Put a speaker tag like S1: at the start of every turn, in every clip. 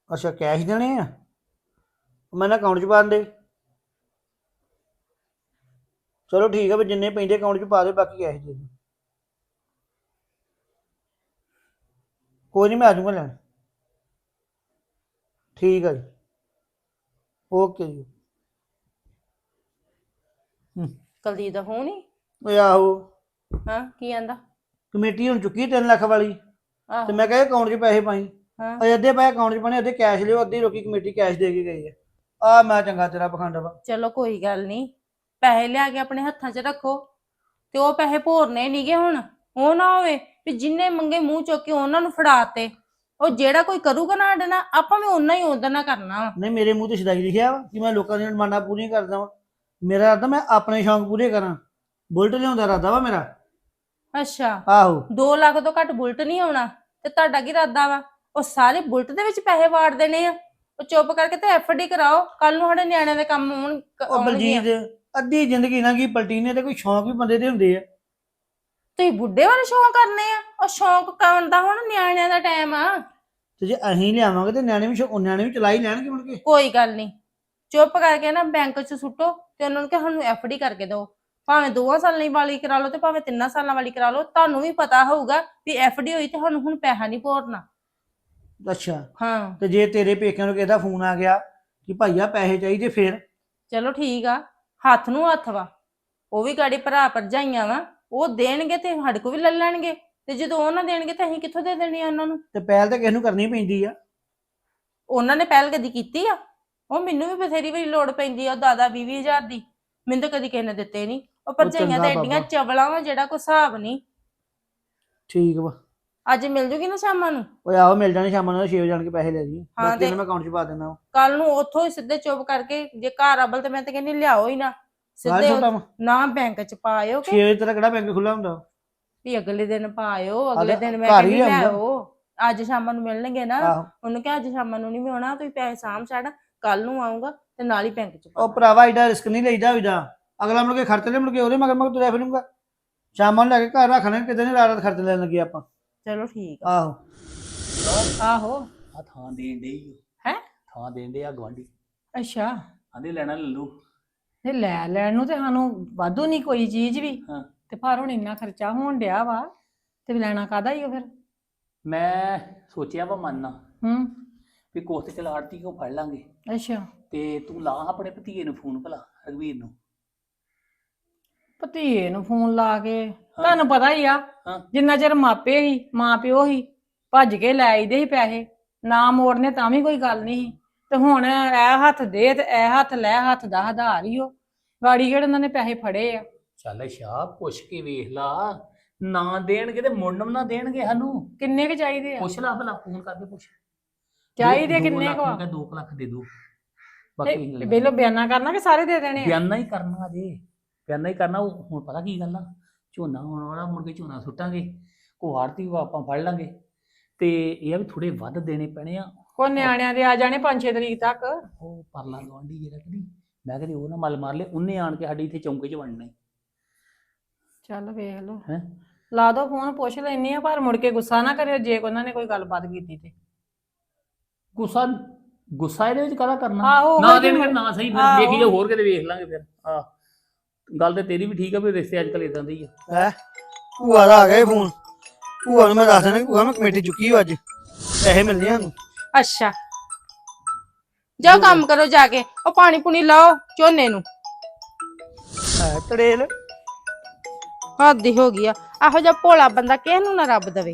S1: ਅੱਛਾ ਕੈਸ਼ ਦੇਣੇ ਆ। ਮੈਂ ਨਾ ਅਕਾਊਂਟ 'ਚ ਪਾ ਦਿੰਦੇ। ਚਲੋ ਠੀਕ ਆ ਵੀ ਜਿੰਨੇ ਪੈਂਦੇ ਅਕਾਊਂਟ 'ਚ ਪਾ ਦੇ, ਬਾਕੀ ਕੈਸ਼ ਦੇ ਦਿਓ। ਕੋਈ ਨਹੀਂ, ਮੈਂ ਆ ਜਾਊਂਗਾ ਲੈਣ। ਠੀਕ ਆ ਜੀ। ਓਕੇ ਜੀ।
S2: ਕੁਲਦੀਪ ਦਾ ਫੋਨ ਹੀ।
S1: ਓਏ ਆਹੋ,
S2: ਹਾਂ ਕੀ ਆਂਦਾ?
S1: ਕਮੇਟੀ ਹੁਣ ਚੁੱਕੀ 3 ਲੱਖ ਵਾਲੀ, ਤੇ
S2: ਆਹੋ।
S1: ਮੈਂ ਕਿਹਾ ਅਕਾਊਂਟ 'ਚ ਪੈਸੇ ਪਾਈ।
S2: ਹਾਂ
S1: ਅਜੇ ਅੱਧੇ ਪੈਸੇ ਅਕਾਊਂਟ 'ਚ ਪਾਣੇ, ਅੱਧੇ ਕੈਸ਼ ਲਿਓ, ਅੱਧੀ ਲੋਕੀ ਕਮੇਟੀ ਕੈਸ਼ ਦੇ ਕੇ ਗਈ ਆ। ਆ ਮੈਂ ਚੰਗਾ ਤੇਰਾ ਪਖੰਡ ਵਾ।
S2: ਚਲੋ ਕੋਈ ਗੱਲ ਨਹੀਂ, ਪੈਸੇ ਲਿਆ ਕੇ ਆਪਣੇ ਹੱਥਾਂ 'ਚ ਰੱਖੋ ਤੇ ਉਹ ਪੈਸੇ ਭੋਰਨੇ ਨਹੀਂਗੇ ਹੁਣ। ਉਹ ਨਾ ਹੋਵੇ ਵੀ ਜਿੰਨੇ ਮੰਗੇ ਮੂੰਹ ਚੁੱਕ ਕੇ ਉਹਨਾਂ ਨੂੰ ਫੜਾਤੇ। ਉਹ ਜਿਹੜਾ ਕੋਈ ਕਰੂਗਾ ਨਾ ਸਾਡੇ ਨਾਲ, ਆਪਾਂ ਵੀ ਓਨਾ ਹੀ ਉਹਦੇ ਨਾਲ ਕਰਨਾ ਵਾ।
S1: ਨਹੀਂ, ਮੇਰੇ ਮੂੰਹ ਤੇ ਸਦਾਈ ਲਿਖਿਆ ਵਾ ਕਿ ਮੈਂ ਲੋਕਾਂ ਦੀਆਂ ਡਿਮਾਂਡਾਂ ਪੂਰੀਆਂ ਕਰਦਾ ਵਾਂ। ਮੇਰਾ ਇਰਾਦਾ ਮੈਂ ਆਪਣੇ ਸ਼ੌਂਕ ਪੂਰੇ ਕਰਾਂ। ਬੁਲਟ ਲਿਆਉਂਦਾ ਇਰਾਦਾ ਵਾ ਮੇਰਾ।
S2: ਅੱਛਾ,
S1: ਆਹੋ।
S2: 2 ਲੱਖ ਤੋਂ ਘੱਟ ਬੁਲਟ ਨਹੀਂ ਆਉਣਾ। ਤੇ ਤੁਹਾਡਾ ਕੀ ਇਰਾਦਾ ਵਾ? ਉਹ ਸਾਰੇ ਬੁਲਟ ਦੇ ਵਿੱਚ ਪੈਸੇ ਵਾੜ ਦੇਣੇ ਆ? ਉਹ ਚੁੱਪ ਕਰਕੇ ਤੇ ਐਫਡੀ ਕਰਾਓ, ਕੱਲ ਨੂੰ ਸਾਡੇ ਨਿਆਣਿਆਂ ਦੇ ਕੰਮ
S1: ਉਹ
S2: ਆਉਣਗੀਆਂ।
S1: ਬਲਜੀਤ, ਅੱਧੀ ਜ਼ਿੰਦਗੀ ਨਾ ਕੀ ਪਲਟੀ ਨੇ, ਤੇ ਕੋਈ ਸ਼ੌਂਕ ਵੀ ਬੰਦੇ ਦੇ ਹੁੰਦੇ ਆ।
S2: ਤੁਸੀਂ ਬੁੱਢੇ ਵਾਲੇ ਸ਼ੌਂਕ ਕਰਨੇ ਆ? ਉਹ ਸ਼ੌਂਕ ਕਰਨ ਦਾ ਹੁਣ ਨਿਆਣਿਆਂ ਦਾ ਟਾਈਮ ਆ।
S1: ਤੇ ਜੇ ਅਸੀਂ ਲਿਆਵਾਂਗੇ ਤੇ ਨਿਆਣੇ ਵੀ ਚਲਾ ਹੀ ਲੈਣਗੇ ਮੁੜ ਕੇ।
S2: ਕੋਈ ਗੱਲ ਨਹੀਂ, ਚੁੱਪ ਕਰਕੇ ਨਾ ਬੈਂਕ 'ਚ ਸੁੱਟੋ ਤੇ ਉਹਨਾਂ ਨੂੰ ਕਿ ਸਾਨੂੰ ਐਫਡੀ ਕਰਕੇ ਦਿਓ। ਭਾਵੇਂ 2 ਸਾਲਾਂ ਵਾਲੀ ਕਰਾ ਲਓ ਤੇ ਭਾਵੇਂ 3 ਸਾਲਾਂ ਵਾਲੀ ਕਰਾ ਲਓ। ਤੁਹਾਨੂੰ ਵੀ ਪਤਾ ਹੋਊਗਾ ਵੀ ਐਫਡੀ ਹੋਈ ਤੇ ਸਾਨੂੰ ਹੁਣ ਪੈਸਾ ਨਹੀਂ ਭੋਰਨਾ।
S1: ਅੱਛਾ,
S2: ਹਾਂ
S1: ਤੇ ਜੇ ਤੇਰੇ ਪੇਕਿਆਂ ਨੂੰ ਕਿਸੇ ਦਾ ਫੋਨ ਆ ਗਿਆ ਕਿ ਭਾਈਆ ਪੈਸੇ ਚਾਹੀਦੇ ਫਿਰ?
S2: ਚਲੋ ਠੀਕ ਆ, ਹੱਥ ਨੂੰ ਹੱਥ ਵਾ। ਉਹ ਵੀ ਗਾੜੀ ਭਰਾ ਭਰਜਾਈਆਂ ਵਾ, ਉਹ ਦੇਣਗੇ ਤੇ ਸਾਡੇ ਕੋਲ ਵੀ ਲੈ ਲੈਣਗੇ। ਤੇ ਜਦੋਂ ਉਹ ਨਾ ਦੇਣਗੇ ਤਾਂ ਅਸੀਂ ਕਿੱਥੋਂ ਦੇ ਦੇਣੀ ਆ ਉਹਨਾਂ ਨੂੰ?
S1: ਤੇ ਪਹਿਲ ਤਾਂ ਕਿਸੇ ਨੂੰ ਕਰਨੀ ਪੈਂਦੀ ਆ।
S2: ਉਹਨਾਂ ਨੇ ਪਹਿਲ ਕਦੀ ਕੀਤੀ ਆ? ਉਹ ਮੈਨੂੰ ਵੀ ਬਥੇਰੀ ਵਾਰੀ ਲੋੜ ਪੈਂਦੀ ਆ 10-20 ਹਜ਼ਾਰ ਦੀ, ਮੈਨੂੰ ਤਾਂ ਕਦੀ ਕਿਸੇ ਨੇ ਦਿੱਤੇ ਨਹੀਂ। ਉਹ ਭਰਜਾਈਆਂ ਤਾਂ
S1: ਚੰਗਾ
S2: ਐਡੀਆਂ
S1: ਬਾਬਾ,
S2: ਚਵਲਾਂ ਵਾ ਜਿਹੜਾ ਕੋਈ ਹਿਸਾਬ ਨਹੀਂ।
S1: ਠੀਕ ਵਾ।
S2: ਅੱਜ ਮਿਲ ਜੂਗੀ ਨਾ ਸ਼ਾਮਾਂ ਨੂੰ?
S1: ਓਏ ਆਹੋ, ਮਿਲ ਜਾਣੇ ਸ਼ਾਮਾਂ ਨੂੰ 6 ਵਜੇ ਆਣ ਕੇ ਪੈਸੇ ਲੈ ਜੀ,
S2: ਹਾਂ
S1: ਬਾਕੀ
S2: ਤੇ
S1: ਇਹਨਾਂ ਮੈਂ ਅਕਾਊਂਟ 'ਚ ਪਾ ਦਿੰਦਾ ਵਾ।
S2: ਕੱਲ ਨੂੰ ਉੱਥੋਂ ਹੀ ਸਿੱਧੇ ਚੁੱਪ ਕਰਕੇ, ਜੇ ਘਰ ਅਬਲ ਤੇ ਮੈਂ ਤਾਂ ਕਹਿੰਦੀ ਲਿਆਓ ਹੀ ਨਾ
S1: ਬਾਹਰ
S2: ਸਿੱਧੇ।
S1: ਛੋਟਾ ਵਾ
S2: ਨਾ ਬੈਂਕ 'ਚ ਪਾਇਓ
S1: 6
S2: ਕਿ
S1: ਵਜੇ ਤੇਰਾ ਕਿਹੜਾ ਬੈਂਕ ਖੁੱਲਾ ਹੁੰਦਾ?
S2: ਵੀ ਅਗਲੇ ਦਿਨ ਪਾਇਓ,
S1: ਆ
S2: ਅਗਲੇ
S1: ਤੇ
S2: ਦਿਨ ਮੈਂ
S1: ਘਰ
S2: ਕਹਿੰਦੀ
S1: ਹੀ
S2: ਲੈ
S1: ਆਉਂਦਾ।
S2: ਆਓ। ਅੱਜ ਸ਼ਾਮਾਂ ਨੂੰ ਮਿਲਣਗੇ ਨਾ,
S1: ਆਹੋ।
S2: ਉਹਨੂੰ ਕਿਹਾ ਅੱਜ ਸ਼ਾਮਾਂ ਨੂੰ ਨਹੀਂ ਵੀ ਆਉਣਾ, ਤੁਸੀਂ ਪੈਸੇ ਸਾਂਭ ਛੱਡ, ਕੱਲ ਨੂੰ ਆਊਗਾ ਤੇ ਨਾਲ ਹੀ ਬੈਂਕ 'ਚ ਪਾ
S1: ਉਹ
S2: ਦਾਂਗੇ।
S1: ਭਰਾਵਾ ਏਡਾ ਰਿਸਕ ਨਹੀਂ ਲਈਦਾ ਹੋਈਦਾ। ਅਗਲਾ ਮੁੜ ਕੇ ਖਰਚ ਲੈ, ਮੁੜ ਕੇ ਉਹਦੇ ਮਗਰ ਮਗਰ ਤੁਰਿਆ ਫਿਰੂੰਗਾ। ਸ਼ਾਮਾਂ ਨੂੰ ਲੈ ਕੇ ਘਰ ਰੱਖਣੇ, ਕਿਤੇ ਨਹੀਂ ਰਾਤ ਖਰਚ ਲੈਣ ਲੱਗੇ ਆਪਾਂ।
S2: ਚਲੋ ਠੀਕ ਆ।
S1: ਆਹੋ।
S2: ਆਹੋ।
S3: ਆ ਥਾਂ ਦੇਣ ਦੇ
S2: ਹੈ।
S3: ਥਾਂ ਦੇਣ ਦੇ ਆ ਗਵਾਂਢੀ,
S2: ਅੱਛਾ,
S3: ਆਂਦੇ ਲੈਣਾ ਲੈ ਲੂ।
S4: ਤੇ ਲੈ ਲੈਣ ਨੂੰ ਤੇ ਸਾਨੂੰ ਵਾਧੂ ਨਹੀਂ ਕੋਈ ਚੀਜ਼ ਵੀ,
S3: ਹਾਂ,
S4: ਤੇ ਪਰ ਹੁਣ ਇੰਨਾ ਖਰਚਾ ਹੋਣ ਡਿਆ ਵਾ ਤੇ ਲੈਣਾ ਕਾਹਦਾ ਹੀ ਉਹ ਫਿਰ।
S3: ਮੈਂ ਸੋਚਿਆ ਵਾ ਮੰਨਣਾ
S4: ਹੂੰ।
S3: ਵੀ ਕੋਸ ਤੇ ਚਲ ਆੜਤੀ ਕੋ ਫੜ ਲਾਂਗੇ।
S4: ਅੱਛਾ,
S3: ਤੇ ਤੂੰ ਲਾ ਆਪਣੇ ਭਤੀਏ ਨੂੰ ਫੋਨ, ਭਲਾ ਰਘਵੀਰ ਨੂੰ।
S4: ਭਤੀਏ ਨੂੰ ਫੋਨ ਲਾ ਕੇ
S3: ਹਾਂ
S4: ਤੁਹਾਨੂੰ ਪਤਾ ਹੀ ਆ,
S3: ਹਾਂ,
S4: ਜਿੰਨਾ ਚਿਰ ਮਾਪੇ ਹੀ ਮਾਂ ਪਿਓ ਹੀ ਭੱਜ ਕੇ ਲੈ ਆਈਦੇ ਸੀ ਪੈਸੇ, ਨਾ ਮੋੜਨੇ ਤਾਂ ਵੀ ਕੋਈ ਗੱਲ ਨਹੀਂ ਸੀ। ਤੇ ਹੁਣ ਇਹ ਹੱਥ ਦੇ ਤੇ ਇਹ ਹੱਥ ਲੈ, ਹੱਥ ਦਾ ਆਧਾਰ ਹੀ ਉਹ ਗਾੜੀ ਕਿਹੜੇ ਉਹਨਾਂ ਨੇ ਪੈਸੇ ਫੜੇ ਆ।
S3: ਚੱਲ ਸ਼ਾਹ ਪੁੱਛ ਕੇ ਵੇਖ ਲਾ, ਨਾ ਦੇਣਗੇ ਤੇ ਮੁੰਡਮ ਨਾ ਦੇਣਗੇ ਸਾਨੂੰ।
S4: ਕਿੰਨੇ ਕੁ ਚਾਹੀਦੇ ਆ?
S3: ਪੁੱਛ ਲਾ ਭਲਾ, ਫੋਨ ਕਰਕੇ ਪੁੱਛ।
S4: ਚਾਹੀਦੇ
S3: ਦੋ
S4: ਕਿੰਨੇ
S3: ਲੱਖ
S4: ਕੁ ਆ?
S3: ਨੂੰ ਕਹਿ 2 ਲੱਖ ਦੇ ਦੋ, ਬਾਕੀ
S4: ਤੇ ਪਹਿਲਾਂ ਬਿਆਨਾ ਕਰਨਾ ਕਿ ਸਾਰੇ ਦੇ ਦੇਣੇ ਆ?
S3: ਬਿਆਨਾ ਹੀ ਕਰਨਾ ਜੇ, ਬਿਆਨਾ ਹੀ ਕਰਨਾ। ਉਹ ਹੁਣ ਪਤਾ ਕੀ ਗੱਲ ਆ, ਝੋਨਾ ਹੋਣ ਵਾਲਾ, ਮੁੜ ਕੇ ਝੋਨਾ ਸੁੱਟਾਂਗੇ, ਕੋ ਆੜਤੀ ਆਪਾਂ ਫੜ ਲਾਂਗੇ, ਤੇ ਇਹ ਆ ਵੀ ਥੋੜੇ ਵੱਧ ਦੇਣੇ ਪੈਣੇ ਆ।
S4: ਕੋ ਨਿਆਣਿਆਂ ਦੇ ਆ ਜਾਣੇ 5-6 ਤਰੀਕ ਤੱਕ।
S3: ਉਹ ਪਰਲਾ ਗਵਾਂਢੀ ਜਿਹੜਾ ਕਦੀ, ਮੈਂ ਕਦੀ ਉਹ ਨਾ ਮਲ ਮਾਰ ਲੇ, ਉਹਨੇ ਆਣ ਕੇ ਸਾਡੇ ਇੱਥੇ ਚੌਂਕੇ 'ਚ ਵੜਨਾ ਹੀ।
S4: ਚੱਲ ਵੇਖ ਲਓ,
S3: ਹੈ
S4: ਲਾ ਦੋ ਫੋਨ, ਪੁੱਛ ਲੈਣੀ ਆ, ਪਰ ਮੁੜ ਕੇ ਗੁੱਸਾ ਨਾ ਕਰਿਓ ਜੇ ਉਹਨਾਂ ਨੇ ਕੋਈ ਗੱਲਬਾਤ ਕੀਤੀ ਤੇ।
S3: ਗੁੱਸਾ, ਗੁੱਸਾ ਇਹਦੇ ਵਿੱਚ ਕਾਹਦਾ ਕਰਨਾ?
S4: ਆਹੋ
S3: ਨਾ ਦੇਣਗੇ ਨਾ ਸਹੀ, ਫਿਰ
S4: ਆਹੋ।
S3: ਵੇਖੀ ਜਾ, ਹੋਰ ਕਿਤੇ ਵੇਖ ਲਾਂਗੇ ਫਿਰ। ਆਹ ਗੱਲ ਤੇ ਤੇਰੀ ਵੀ ਠੀਕ ਆ ਵੀ ਰਿਸ਼ਤੇ ਅੱਜ ਕੱਲ ਇਦਾਂ ਦੇ ਹੀ ਆ।
S1: ਹੈ ਭੂਆ ਦਾ ਆ ਗਿਆ ਫੋਨ। ਭੂਆ ਨੂੰ ਮੈਂ ਦੱਸ ਦੇਣਾ ਕਿ ਭੂਆ ਮੈਂ ਕਮੇਟੀ ਚੁੱਕੀ ਹੋ, ਅੱਜ ਪੈਸੇ ਮਿਲਣੇ ਸਾਨੂੰ।
S2: ਅੱਛਾ, ਜਾਓ ਕੰਮ ਕਰੋ ਜਾ ਕੇ, ਉਹ ਪਾਣੀ ਪੂਣੀ ਲਾਓ ਝੋਨੇ ਨੂੰ।
S1: ਹੈ ਤੜੇਲ।
S2: ਹੱਦ ਹੀ ਹੋ ਗਈ ਆ, ਇਹੋ ਜਿਹਾ ਭੋਲਾ ਬੰਦਾ ਕਿਸੇ ਨੂੰ ਨਾ ਰੱਬ ਦੇਵੇ।